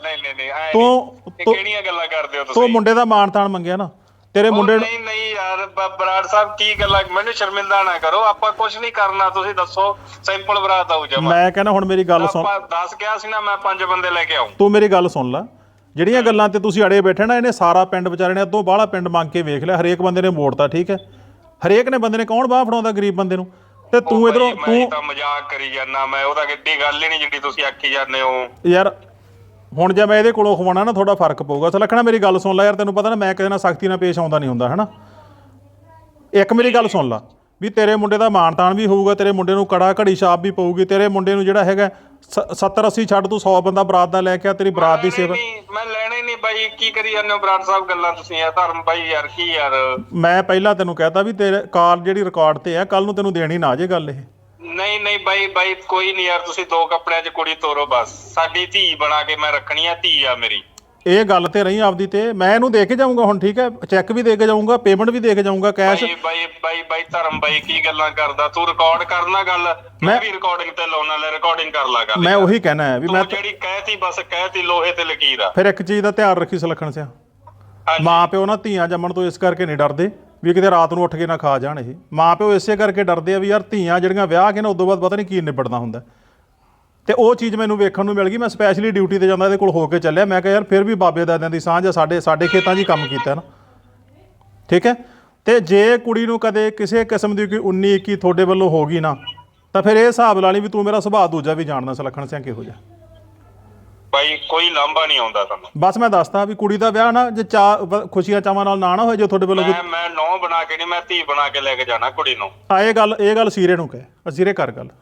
ਤੂੰ ਕਿਹੜੀਆਂ ਗੱਲਾਂ ਕਰਦੇ ਹੋ ਤੁਸੀਂ?
ਤੂੰ ਮੁੰਡੇ ਦਾ ਮਾਣ ਤਾਣ ਮੰਗਿਆ ਨਾ ਤੇਰੇ ਮੁੰਡੇ ਨੂੰ।
ਨਹੀਂ ਯਾਰ ਬਰਾੜ ਸਾਹਿਬ, ਕੀ ਗੱਲਾਂ? ਮੈਨੂੰ ਸ਼ਰਮਿੰਦਾ ਨਾ ਕਰੋ, ਆਪਾਂ ਕੁਝ ਨਹੀਂ ਕਰਨਾ। ਤੁਸੀਂ ਦੱਸੋ, ਸਿੰਪਲ ਬਰਾਤ ਆਊ ਜਮਾ।
ਮੈਂ ਕਹਿੰਦਾ ਹੁਣ ਮੇਰੀ ਗੱਲ ਸੁਣ।
ਆਪਾਂ 10 ਕਿਹਾ ਸੀ ਨਾ, ਮੈਂ 5 ਬੰਦੇ ਲੈ ਕੇ ਆਉਂ।
ਤੂੰ ਮੇਰੀ ਗੱਲ ਸੁਣ ਲੈ। ਜਿਹੜੀਆਂ ਗੱਲਾਂ ਤੇ ਤੁਸੀਂ ਅੜੇ ਬੈਠੇ ਨਾ, ਇਹਨੇ ਸਾਰਾ ਪਿੰਡ ਵਿਚਾਰੇ ਨੇ ਅੱਧੋਂ ਬਾਹਲਾ ਪਿੰਡ ਮੰਗ ਕੇ ਵੇਖ ਲਿਆ। ਹਰੇਕ ਬੰਦੇ ਨੇ ਮੋੜਤਾ, ਠੀਕ ਹੈ? ਹਰੇਕ ਨੇ ਬੰਦੇ ਨੇ ਕੌਣ ਬਾਹ ਫੜਾਉਂਦਾ ਗਰੀਬ ਬੰਦੇ ਨੂੰ? ਤੇ ਤੂੰ ਇਧਰੋਂ
ਮੈਂ ਤਾਂ ਮਜ਼ਾਕ ਕਰੀ ਜਾਂਦਾ, ਮੈਂ ਉਹਦਾ ਕਿੱਡੀ ਗੱਲ ਹੀ ਨਹੀਂ ਜਿੱਡੀ ਤੁਸੀਂ ਆਖੀ ਜਾਂਦੇ ਹੋ
ਯਾਰ। ਹੁਣ ਜੇ ਮੈਂ ਇਹਦੇ ਕੋਲੋਂ ਖਵਾਉਣਾ ਨਾ, ਥੋੜਾ ਫਰਕ ਪਊਗਾ। ਸੁਲੱਖਣਾ ਮੇਰੀ ਗੱਲ ਸੁਣ ਲੈ ਯਾਰ, ਤੈਨੂੰ ਪਤਾ ਨਾ ਮੈਂ ਕਿਸੇ ਨਾਲ ਸਖਤੀ ਨਾਲ ਪੇਸ਼ ਆਉਂਦਾ ਨਹੀਂ ਹੁੰਦਾ, ਹੈ ਨਾ? ਇੱਕ ਮੇਰੀ ਗੱਲ ਸੁਣ ਲਾ ਵੀ ਤੇਰੇ ਮੁੰਡੇ ਦਾ ਮਾਣ ਤਾਣ ਵੀ ਹੋਊਗਾ, ਤੇਰੇ ਮੁੰਡੇ ਨੂੰ ਕੜਾ ਘੜੀ ਛਾਪ ਵੀ ਪਊਗੀ। ਤੇਰੇ ਮੁੰਡੇ ਨੂੰ ਜਿਹੜਾ ਹੈਗਾ 70-80 ਛੱਡ, ਤੂੰ 100 ਬੰਦਾ ਬਰਾਤ ਦਾ ਲੈ ਕੇ ਆ, ਤੇਰੀ ਬਰਾਤ ਦੀ ਸੇਵਾ।
ਮੈਂ ਲੈਣਾ ਹੀ ਨਹੀਂ ਬਾਈ। ਕੀ ਕਰੀ ਜਾਂਦੇ ਹੋ ਬਰਾੜ ਸਾਹਿਬ ਗੱਲਾਂ ਤੁਸੀਂ? ਯਾਰ ਧਰਮ ਬਾਈ ਯਾਰ, ਕੀ ਯਾਰ?
ਮੈਂ ਪਹਿਲਾਂ ਤੈਨੂੰ ਕਹਿਤਾ ਵੀ ਤੇਰੇ ਕਾਲ ਜਿਹੜੀ ਰਿਕਾਰਡ ਤੇ ਆ, ਕੱਲ ਨੂੰ ਤੈਨੂੰ ਦੇਣੀ ਨਾ ਜੇ ਗੱਲ ਇਹ।
ਨਹੀਂ ਬਾਈ ਕੋਈ ਨਹੀਂ ਯਾਰ, ਤੁਸੀਂ 2 ਕੱਪੜਿਆਂ 'ਚ ਕੁੜੀ ਤੋਰੋ ਬਸ। ਸਾਡੀ ਧੀ ਬਣਾ ਕੇ ਮੈਂ ਰੱਖਣੀ ਆ, ਧੀ ਆ ਮੇਰੀ।
ਇਹ ਗੱਲ ਤੇ ਰਹੀ ਆਪਦੀ ਤੇ। ਮੈਂ ਇਹਨੂੰ ਦੇ ਕੇ ਜਾਊਂਗਾ ਹੁਣ, ਠੀਕ ਹੈ? ਚੈੱਕ ਵੀ ਦੇ ਕੇ ਜਾਊਂਗਾ, ਪੇਮੈਂਟ ਵੀ ਦੇ ਕੇ ਜਾਊਂਗਾ, ਕੈਸ਼।
ਬਾਈ ਧਰਮ ਬਾਈ, ਕੀ ਗੱਲਾਂ ਕਰਦਾ ਤੂੰ? ਰਿਕਾਰਡ ਕਰਨਾ ਗੱਲ, ਮੈਂ ਵੀ ਰਿਕਾਰਡਿੰਗ ਤੇ ਲਾਉਣਾ। ਲੈ ਰਿਕਾਰਡਿੰਗ ਕਰ ਲਾ ਗੱਲ।
ਮੈਂ ਉਹੀ ਕਹਿਣਾ ਹੈ ਵੀ ਮੈਂ
ਜਿਹੜੀ ਕਹਿਤੀ ਬਸ ਕਹਿਤੀ, ਲੋਹੇ ਤੇ ਲਕੀਰ ਆ।
ਫਿਰ ਇੱਕ ਚੀਜ਼ ਦਾ ਧਿਆਨ ਰੱਖੀ ਸੁਲੱਖਣ ਸਿਆ, ਮਾਂ ਪਿਓ ਨਾ ਧੀਆਂ ਜੰਮਣ ਤੋਂ ਇਸ ਕਰਕੇ ਨਹੀਂ ਡਰਦੇ ਵੀ ਕਿਤੇ ਰਾਤ ਨੂੰ ਉੱਠ ਕੇ ਨਾ ਖਾ ਜਾਣ। ਇਹ ਮਾਂ ਪਿਓ ਇਸੇ ਕਰਕੇ ਡਰਦੇ ਆ ਵੀ ਯਾਰ ਧੀਆਂ ਜਿਹੜੀਆਂ ਵਿਆਹ ਕੇ ਨਾ ਉਦੋਂ ਬਾਅਦ ਪਤਾ ਨਹੀਂ ਕੀ ਨਿਬੜਨਾ ਹੁੰਦਾ। ਤੇ ਉਹ ਚੀਜ਼ ਮੈਨੂੰ ਵੇਖਣ ਨੂੰ ਮਿਲ ਗਈ। ਮੈਂ ਸਪੈਸ਼ਲੀ ਡਿਊਟੀ ਤੇ ਜਾਂਦਾ, ਇਹਦੇ ਕੋਲ ਹੋ ਕੇ ਚੱਲਿਆ। ਮੈਂ ਕਿਹਾ ਯਾਰ ਫਿਰ ਵੀ ਬਾਬੇ ਦਾਦਿਆਂ ਦੀ ਸਾਂਝ ਆ, ਸਾਡੇ ਖੇਤਾਂ 'ਚ ਹੀ ਕੰਮ ਕੀਤਾ ਨਾ, ਠੀਕ ਹੈ? ਤੇ ਜੇ ਕੁੜੀ ਨੂੰ ਕਦੇ ਕਿਸੇ ਕਿਸਮ ਦੀ ਕੋਈ 19-21 ਤੁਹਾਡੇ ਵੱਲੋਂ ਹੋ ਗਈ ਨਾ, ਤਾਂ ਫਿਰ ਇਹ ਹਿਸਾਬ ਲਾ ਲਈ ਵੀ ਤੂੰ ਮੇਰਾ ਸੁਭਾਅ ਦੂਜਾ ਵੀ ਜਾਣਦਾ ਸੁਲੱਖਣ ਸਿਆ ਕਿਹੋ ਜਿਹਾ।
ਬਾਈ ਕੋਈ ਲਾਂਭਾ ਨਹੀਂ ਆਉਂਦਾ ਤੁਹਾਨੂੰ।
ਬਸ ਮੈਂ ਦੱਸਦਾ ਵੀ ਕੁੜੀ ਦਾ ਵਿਆਹ ਨਾ ਜੇ ਖੁਸ਼ੀਆਂ ਚਾਵਾਂ ਨਾਲ ਨਾ ਹੋਏ, ਜੇ ਤੁਹਾਡੇ ਵੱਲੋਂ
ਮੈਂ ਨੌ ਬਣਾ ਕੇ ਨਹੀਂ, ਮੈਂ ਧੀ ਬਣਾ ਕੇ ਲੈ ਕੇ ਜਾਣਾ ਕੁੜੀ ਨੂੰ।
ਇਹ ਗੱਲ ਸੀਰੇ ਨੂੰ ਕਹਿ, ਅਸੀਰੇ ਕਰ ਗੱਲ।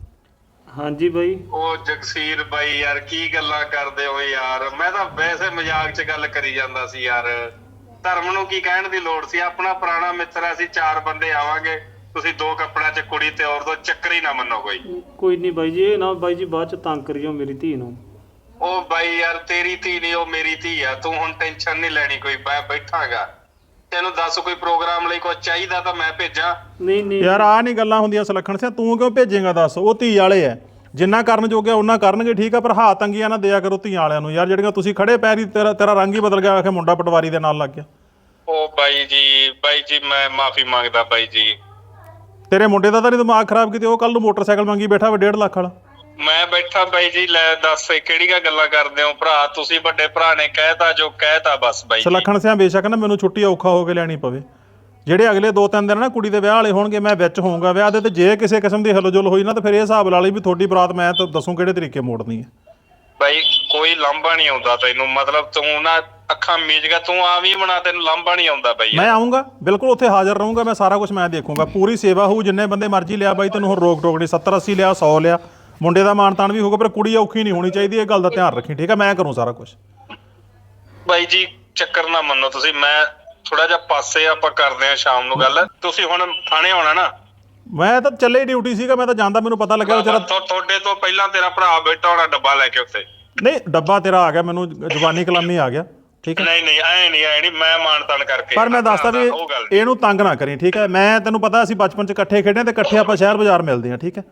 ਹਾਂਜੀ ਬਾਈ।
ਉਹ ਜਗਸੀਰ ਬਾਈ ਯਾਰ, ਕੀ ਗੱਲਾਂ ਕਰਦੇ ਹੋ ਯਾਰ? ਮੈਂ ਤਾਂ ਵੈਸੇ ਮਜ਼ਾਕ 'ਚ ਗੱਲ ਕਰੀ ਜਾਂਦਾ ਸੀ ਯਾਰ। ਧਰਮ ਨੂੰ ਕੀ ਕਹਿਣ ਦੀ ਲੋੜ ਸੀ? ਆਪਣਾ ਪੁਰਾਣਾ ਮਿੱਤਰ ਆ, ਅਸੀਂ 4 ਬੰਦੇ ਆਵਾਂਗੇ। ਤੁਸੀਂ 2 ਕੱਪੜਿਆਂ 'ਚ ਕੁੜੀ ਤੇ ਔਰ 2 ਚੱਕਰ ਹੀ ਨਾ ਮੰਨੋ
ਕੋਈ ਨਹੀਂ ਬਾਈ ਜੀ। ਇਹ ਨਾ ਬਾਈ ਜੀ ਬਾਅਦ 'ਚ ਤੰਗ ਕਰਿਓ ਮੇਰੀ ਧੀ ਨੂੰ।
ਉਹ ਬਾਈ ਯਾਰ, ਤੇਰੀ ਧੀ ਨਹੀਂ, ਉਹ ਮੇਰੀ ਧੀ ਆ। ਤੂੰ ਹੁਣ ਟੈਨਸ਼ਨ ਨਹੀਂ ਲੈਣੀ ਕੋਈ। ਮੈਂ ਬੈਠਾਂਗਾ, ਤੈਨੂੰ ਦੱਸ ਕੋਈ ਪ੍ਰੋਗਰਾਮ ਲਈ ਕੁਝ ਚਾਹੀਦਾ ਤਾਂ ਮੈਂ ਭੇਜਾਂ।
ਨਹੀਂ
ਯਾਰ ਆਹ ਨਹੀਂ ਗੱਲਾਂ ਹੁੰਦੀਆਂ ਸੁਲੱਖਣ ਸਿਆ। ਤੂੰ ਕਿਉਂ ਭੇਜੇਗਾ ਦੱਸ? ਉਹ ਧੀ ਵਾਲੇ ਐ, ਜਿੰਨਾ ਕਰਨ ਜੋਗੇ ਉਹਨਾਂ ਕਰਨਗੇ, ਠੀਕ ਆ? ਪਰ ਹਾਥ ਤੰਗੀਆਂ ਨਾ ਦਿਆ ਕਰੋ ਧੀਆਂ ਵਾਲਿਆਂ ਨੂੰ ਯਾਰ। ਜਿਹੜੀਆਂ ਤੁਸੀਂ ਖੜੇ ਪੈਰੀ ਤੇਰਾ ਰੰਗ ਹੀ ਬਦਲ ਗਿਆ, ਆਖੇ ਮੁੰਡਾ ਪਟਵਾਰੀ ਦੇ ਨਾਲ ਲੱਗ ਗਿਆ।
ਉਹ ਬਾਈ ਜੀ ਮੈਂ ਮਾਫੀ ਮੰਗਦਾ ਬਾਈ ਜੀ।
ਤੇਰੇ ਮੁੰਡੇ ਦਾ ਤਾਂ ਨਹੀਂ ਦਿਮਾਗ ਖਰਾਬ ਕੀਤੇ? ਉਹ ਕੱਲ ਨੂੰ ਮੋਟਰਸਾਈਕਲ ਮੰਗੀ ਬੈਠਾ ਵਾ 1.5 ਲੱਖ ਵਾਲਾ।
ਮੈਂ ਬੈਠਾ ਬਾਈ ਜੀ। ਲੈ ਦੱਸ ਕਿਹੜੀਆਂ ਗੱਲਾਂ ਕਰਦੇ ਹੋ ਭਰਾ? ਤੁਸੀਂ ਵੱਡੇ ਭਰਾ ਨੇ ਕਹਿਤਾ ਜੋ ਕਹਿਤਾ ਬਸ ਬਾਈ ਜੀ।
ਸੁਲੱਖਣ ਸਿਆ ਬੇਸ਼ੱਕ ਨਾ ਮੈਨੂੰ ਛੁੱਟੀ ਔਖਾ ਹੋ ਕੇ ਲੈਣੀ ਪਵੇ, ਜਿਹੜੇ ਅਗਲੇ 2-3 ਦਿਨ ਨਾ ਕੁੜੀ ਦੇ ਵਿਆਹ ਵਾਲੇ ਹੋਣਗੇ, ਮੈਂ ਵਿੱਚ ਹੋਊਂਗਾ ਵਿਆਹ ਦੇ। ਤੇ ਜੇ ਕਿਸੇ ਕਿਸਮ ਦੀ ਹਿਲਜੁਲ ਹੋਈ ਨਾ, ਤਾਂ ਫਿਰ ਇਹ ਹਿਸਾਬ ਲਾ ਲਈ ਵੀ ਤੁਹਾਡੀ ਬਰਾਤ ਮੈਂ ਤਾਂ ਦੱਸੂ ਕਿਹੜੇ ਤਰੀਕੇ ਮੋੜਨੀ ਹੈ।
ਬਾਈ ਕੋਈ ਲਾਂਭਾ ਨਹੀਂ ਆਉਂਦਾ ਤੈਨੂੰ, ਮਤਲਬ ਤੂੰ ਨਾ ਅੱਖਾਂ ਮੀਚ ਗਿਆ, ਤੂੰ ਆ ਵੀ ਬਣਾ, ਤੈਨੂੰ ਲਾਂਭਾ ਨਹੀਂ ਆਉਂਦਾ ਬਾਈ।
ਮੈਂ ਆਉਂਗਾ ਬਿਲਕੁਲ, ਉੱਥੇ ਹਾਜ਼ਰ ਰਹੂੰਗਾ ਮੈਂ, ਸਾਰਾ ਕੁਝ ਮੈਂ ਦੇਖੂੰਗਾ, ਪੂਰੀ ਸੇਵਾ ਹੋਊ। ਜਿੰਨੇ ਬੰਦੇ ਮਰਜ਼ੀ ਲਿਆ ਬਾਈ, ਤੈਨੂੰ ਹੁਣ ਰੋਕ ਟੋਕ ਨਹੀਂ। 70-80 ਲਿਆ, 100 ਲਿਆ, ਮੁੰਡੇ ਦਾ ਮਾਣ ਤਾਣ ਵੀ ਹੋਊਗਾ, ਪਰ ਕੁੜੀ ਔਖੀ ਨਹੀਂ ਹੋਣੀ ਚਾਹੀਦੀ। ਇਹ ਗੱਲ ਦਾ ਧਿਆਨ ਰੱਖੀ, ਠੀਕ ਹੈ? ਮੈਂ ਕਰੂੰ ਸਾਰਾ ਕੁਝ।
ਬਾਈ ਜੀ ਚੱਕਰ ਨਾ ਮੰਨੋ ਤੁਸੀਂ। ਮੈਂ ਥੋੜਾ ਜਿਹਾ ਪਾਸੇ ਆਪਾਂ ਕਰਦੇ ਆ ਸ਼ਾਮ ਨੂੰ ਗੱਲ। ਤੁਸੀਂ ਹੁਣ ਥਾਣੇ ਆਉਣਾ ਨਾ?
ਮੈਂ ਤਾਂ ਚੱਲੇ ਡਿਊਟੀ ਸੀਗਾ, ਮੈਂ ਤਾਂ ਜਾਂਦਾ, ਮੈਨੂੰ ਪਤਾ ਲੱਗਿਆ ਵਿਚਾਰਾ।
ਤੁਹਾਡੇ ਤੋਂ ਪਹਿਲਾਂ ਤੇਰਾ ਭਰਾ ਬੈਠਾ ਹੋਣਾ ਡੱਬਾ ਲੈ ਕੇ ਉੱਤੇ।
ਨਹੀਂ, ਡੱਬਾ ਤੇਰਾ ਆ ਗਿਆ, ਮੈਨੂੰ ਜ਼ੁਬਾਨੀ ਕਲਾਮੀ ਆ ਗਿਆ, ਠੀਕ ਹੈ।
ਨਹੀਂ ਐ ਨਹੀਂ ਮੈਂ ਮਾਨ ਤਾਨ ਕਰਕੇ,
ਪਰ ਮੈਂ ਦੱਸਦਾ ਵੀ ਇਹਨੂੰ ਤੰਗ ਨਾ ਕਰੀ, ਠੀਕ ਹੈ। ਮੈਂ ਤੈਨੂੰ ਪਤਾ ਅਸੀਂ ਬਚਪਨ 'ਚ ਇਕੱਠੇ ਖੇਡੇ ਤੇ ਇਕੱਠੇ ਆਪਾਂ ਸ਼ਹਿਰ ਬਾਜ਼ਾਰ ਮਿਲਦੇ ਹਾਂ, ਠੀਕ ਹੈ।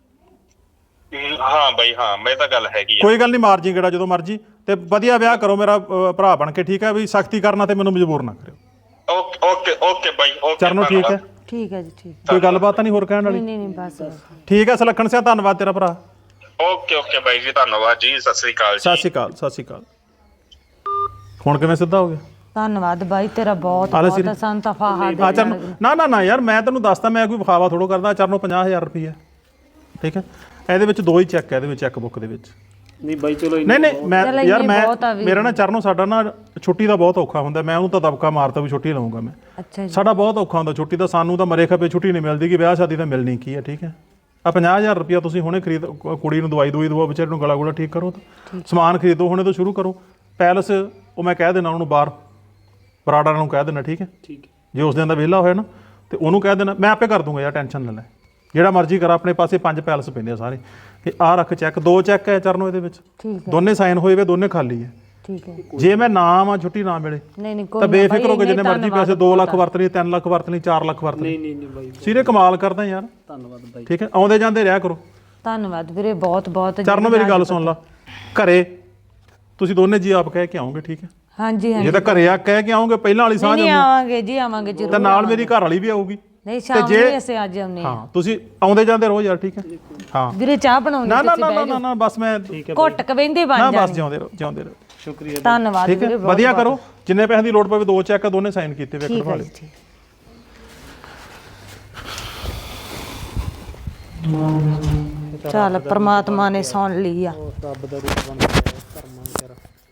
ਹਾਂ ਬਾਈ ਹਾਂ, ਮੈਂ ਤਾਂ ਗੱਲ ਹੈਗੀ ਆ।
ਕੋਈ ਗੱਲ ਨਹੀਂ, ਮਾਰ ਜੀ ਗੇੜਾ ਜਦੋਂ ਮਰਜੀ, ਤੇ ਵਧੀਆ ਵਿਆਹ ਕਰੋ ਮੇਰਾ ਭਰਾ ਬਣ ਕੇ, ਠੀਕ ਹੈ। ਵੀ ਸਖਤੀ ਕਰਨਾ ਤੇ ਮੈਨੂੰ ਮਜਬੂਰ ਨਾ ਕਰਿਓ।
ਓਕੇ ਬਾਈ, ਓਕੇ
ਚਰਨੋ, ਠੀਕ ਹੈ।
ਠੀਕ ਹੈ ਜੀ, ਠੀਕ।
ਕੋਈ ਗੱਲਬਾਤ ਤਾਂ ਨਹੀਂ ਹੋਰ ਕਹਿਣ ਵਾਲੀ?
ਨਹੀਂ ਬਸ।
ਠੀਕ ਹੈ ਸੁਲੱਖਣ ਸਿੰਘ, ਧੰਨਵਾਦ ਤੇਰਾ ਭਰਾ।
ਓਕੇ ਬਾਈ ਜੀ, ਧੰਨਵਾਦ ਜੀ, ਸਤਿ ਸ੍ਰੀ ਅਕਾਲ ਜੀ।
ਸਤਿ ਸ਼੍ਰੀ ਅਕਾਲ, ਸਤਿ ਸ਼੍ਰੀ ਅਕਾਲ। ਹੁਣ ਕਿਵੇਂ ਸਿੱਧਾ ਹੋ ਗਿਆ?
ਧੰਨਵਾਦ ਬਾਈ ਤੇਰਾ ਬਹੁਤ ਬਹੁਤ, ਸਾਨੂੰ ਤਾਂ ਫਾਹਾ ਦੇ।
ਚਰਨੋ, ਨਾ ਯਾਰ, ਮੈਂ ਤੈਨੂੰ ਦੱਸਦਾ, ਮੈਂ ਕੋਈ ਵਿਖਾਵਾ ਥੋੜੋ ਕਰਦਾ। ਚਰਨੋ 50,000 ਰੁਪਈਆ, ਠੀਕ ਹੈ। ਇਹਦੇ ਵਿੱਚ 2 ਹੀ ਚੈੱਕ ਹੈ, ਇਹਦੇ ਵਿੱਚ ਚੈੱਕ ਬੁੱਕ ਦੇ ਵਿੱਚ।
ਨਹੀਂ ਬਾਈ ਚਲੋ
ਨਹੀਂ ਮੈਂ ਯਾਰ, ਮੇਰਾ ਨਾ ਚਰਨੋ, ਸਾਡਾ ਨਾ ਛੁੱਟੀ ਦਾ ਬਹੁਤ ਔਖਾ ਹੁੰਦਾ। ਮੈਂ ਉਹਨੂੰ ਤਾਂ ਦਬਕਾ ਮਾਰਤਾ ਵੀ ਛੁੱਟੀ ਲਵਾਂਗਾ ਮੈਂ।
ਅੱਛਾ ਜੀ।
ਸਾਡਾ ਬਹੁਤ ਔਖਾ ਹੁੰਦਾ ਛੁੱਟੀ ਦਾ, ਸਾਨੂੰ ਤਾਂ ਮਰੇ ਖਪੇ ਛੁੱਟੀ ਨਹੀਂ ਮਿਲਦੀ, ਕਿ ਵਿਆਹ ਸ਼ਾਦੀ ਤਾਂ ਮਿਲਣੀ ਕੀ ਹੈ, ਠੀਕ ਹੈ। ਆ 50,000 ਰੁਪਈਆ ਤੁਸੀਂ ਹੁਣੇ ਖਰੀਦ, ਕੁੜੀ ਨੂੰ ਦਵਾਈ ਦਵਾਓ, ਵਿਚਾਰੇ ਨੂੰ ਗਲਾ ਗੁਲਾ ਠੀਕ ਕਰੋ, ਸਮਾਨ ਖਰੀਦੋ ਹੁਣੇ ਤੋਂ ਸ਼ੁਰੂ ਕਰੋ। ਪੈਲਸ ਉਹ ਮੈਂ ਕਹਿ ਦੇਣਾ ਉਹਨੂੰ, ਬਾਹਰ ਬਰਾੜਾ ਨੂੰ ਕਹਿ ਦੇਣਾ, ਠੀਕ ਹੈ। ਜੇ ਉਸ ਦਿਨ ਦਾ ਵਿਹਲਾ ਹੋਇਆ ਨਾ ਤੇ ਉਹਨੂੰ ਕਹਿ ਦੇਣਾ, ਮੈਂ ਆਪੇ ਕਰ ਦੂੰਗਾ ਯਾਰ, ਟੈਨਸ਼ਨ ਨਾ ਲੈ। ਜਿਹੜਾ ਮਰਜ਼ੀ ਕਰ, ਆਪਣੇ ਪਾਸੇ 5 ਪੈਲਸ ਪੈਂਦੇ ਆ ਸਾਰੇ। ਇਹ ਆਹ ਰੱਖ ਚੈੱਕ, 2 ਚੈੱਕ ਹੈ ਚਰਨੋ ਇਹਦੇ ਵਿੱਚ, ਦੋਨੇ ਸਾਈਨ ਹੋਏ ਵੇ, ਦੋਨੇ ਖਾਲੀ ਹੈ,
ਠੀਕ ਹੈ।
ਜੇ ਮੈਂ ਨਾ ਆਵਾਂ, ਛੁੱਟੀ ਨਾ ਮਿਲੇ,
ਨਹੀਂ
ਤਾਂ ਬੇਫਿਕਰ ਹੋ ਕੇ ਜਿੰਨੇ ਮਰਜ਼ੀ ਪੈਸੇ 2 ਲੱਖ ਵਰਤ ਲਈ, 3 ਲੱਖ ਵਰਤ ਲਈ, 4 ਲੱਖ ਵਰਤ ਲਈ।
ਨਹੀਂ ਬਾਈ,
ਸਿਰੇ ਕਮਾਲ ਕਰਦਾ ਯਾਰ।
ਧੰਨਵਾਦ ਬਾਈ।
ਠੀਕ ਹੈ, ਆਉਂਦੇ ਜਾਂਦੇ ਰਿਹਾ ਕਰੋ।
ਧੰਨਵਾਦ ਵੀਰੇ, ਬਹੁਤ ਬਹੁਤ।
ਚਰਨੋ ਮੇਰੀ ਗੱਲ ਸੁਣ ਲਾ, ਘਰੇ ਤੁਸੀਂ ਦੋਨੇ ਜੀ ਆਪ ਕਹਿ ਕੇ ਆਓਗੇ, ਠੀਕ ਹੈ।
ਹਾਂਜੀ
ਜੇ ਤਾਂ ਘਰੇ ਆ ਕਹਿ ਕੇ ਆਓਗੇ, ਪਹਿਲਾਂ ਵਾਲੀ ਸਾਂਝ
ਨਹੀਂ ਆਵਾਂਗੇ ਜੀ, ਆਵਾਂਗੇ ਜ਼ਰੂਰ।
ਤਾਂ ਨਾਲ ਮੇਰੀ ਘਰ ਵਾਲੀ ਵੀ ਆਊਗੀ।
ਨਹੀਂ ਸ਼ਾਮ ਨੂੰ ਅਸੀਂ ਅੱਜ ਆਉਨੇ ਆ।
ਹਾਂ, ਤੁਸੀਂ ਆਉਂਦੇ ਜਾਂਦੇ ਰਹੋ ਯਾਰ, ਠੀਕ ਹੈ। ਹਾਂ
ਵੀਰੇ ਚਾਹ ਬਣਾਉਣੀ
ਨਾ ਬਸ ਮੈਂ
ਘੁੱਟ ਕੇ ਬਹਿੰਦੇ ਬਣ
ਨਾ,
ਜਾਣੇ।
ਬਸ ਜਿਉਂਦੇ ਰਹੋ।
ਸ਼ੁਕਰੀਆ,
ਧੰਨਵਾਦ
ਠੀਕ ਹੈ,
ਵੀਰੇ,
ਵਧੀਆ ਕਰੋ। ਜਿੰਨੇ ਪੈਸੇ ਦੀ ਲੋੜ ਪਵੇ 2 ਚੈੱਕ ਦੋਨੇ ਸਾਈਨ ਕੀਤੇ ਵੇ, ਕਰਵਾ ਲਿਓ।
ਚੱਲ ਪ੍ਰਮਾਤਮਾ ਨੇ ਸੁਣ ਲਈ ਆ।
ਰੱਬ ਦਾ ਰੂਪ ਬਣ ਗਿਆ ਕਰਮਾਂ ਵਿਚਾਰਾ।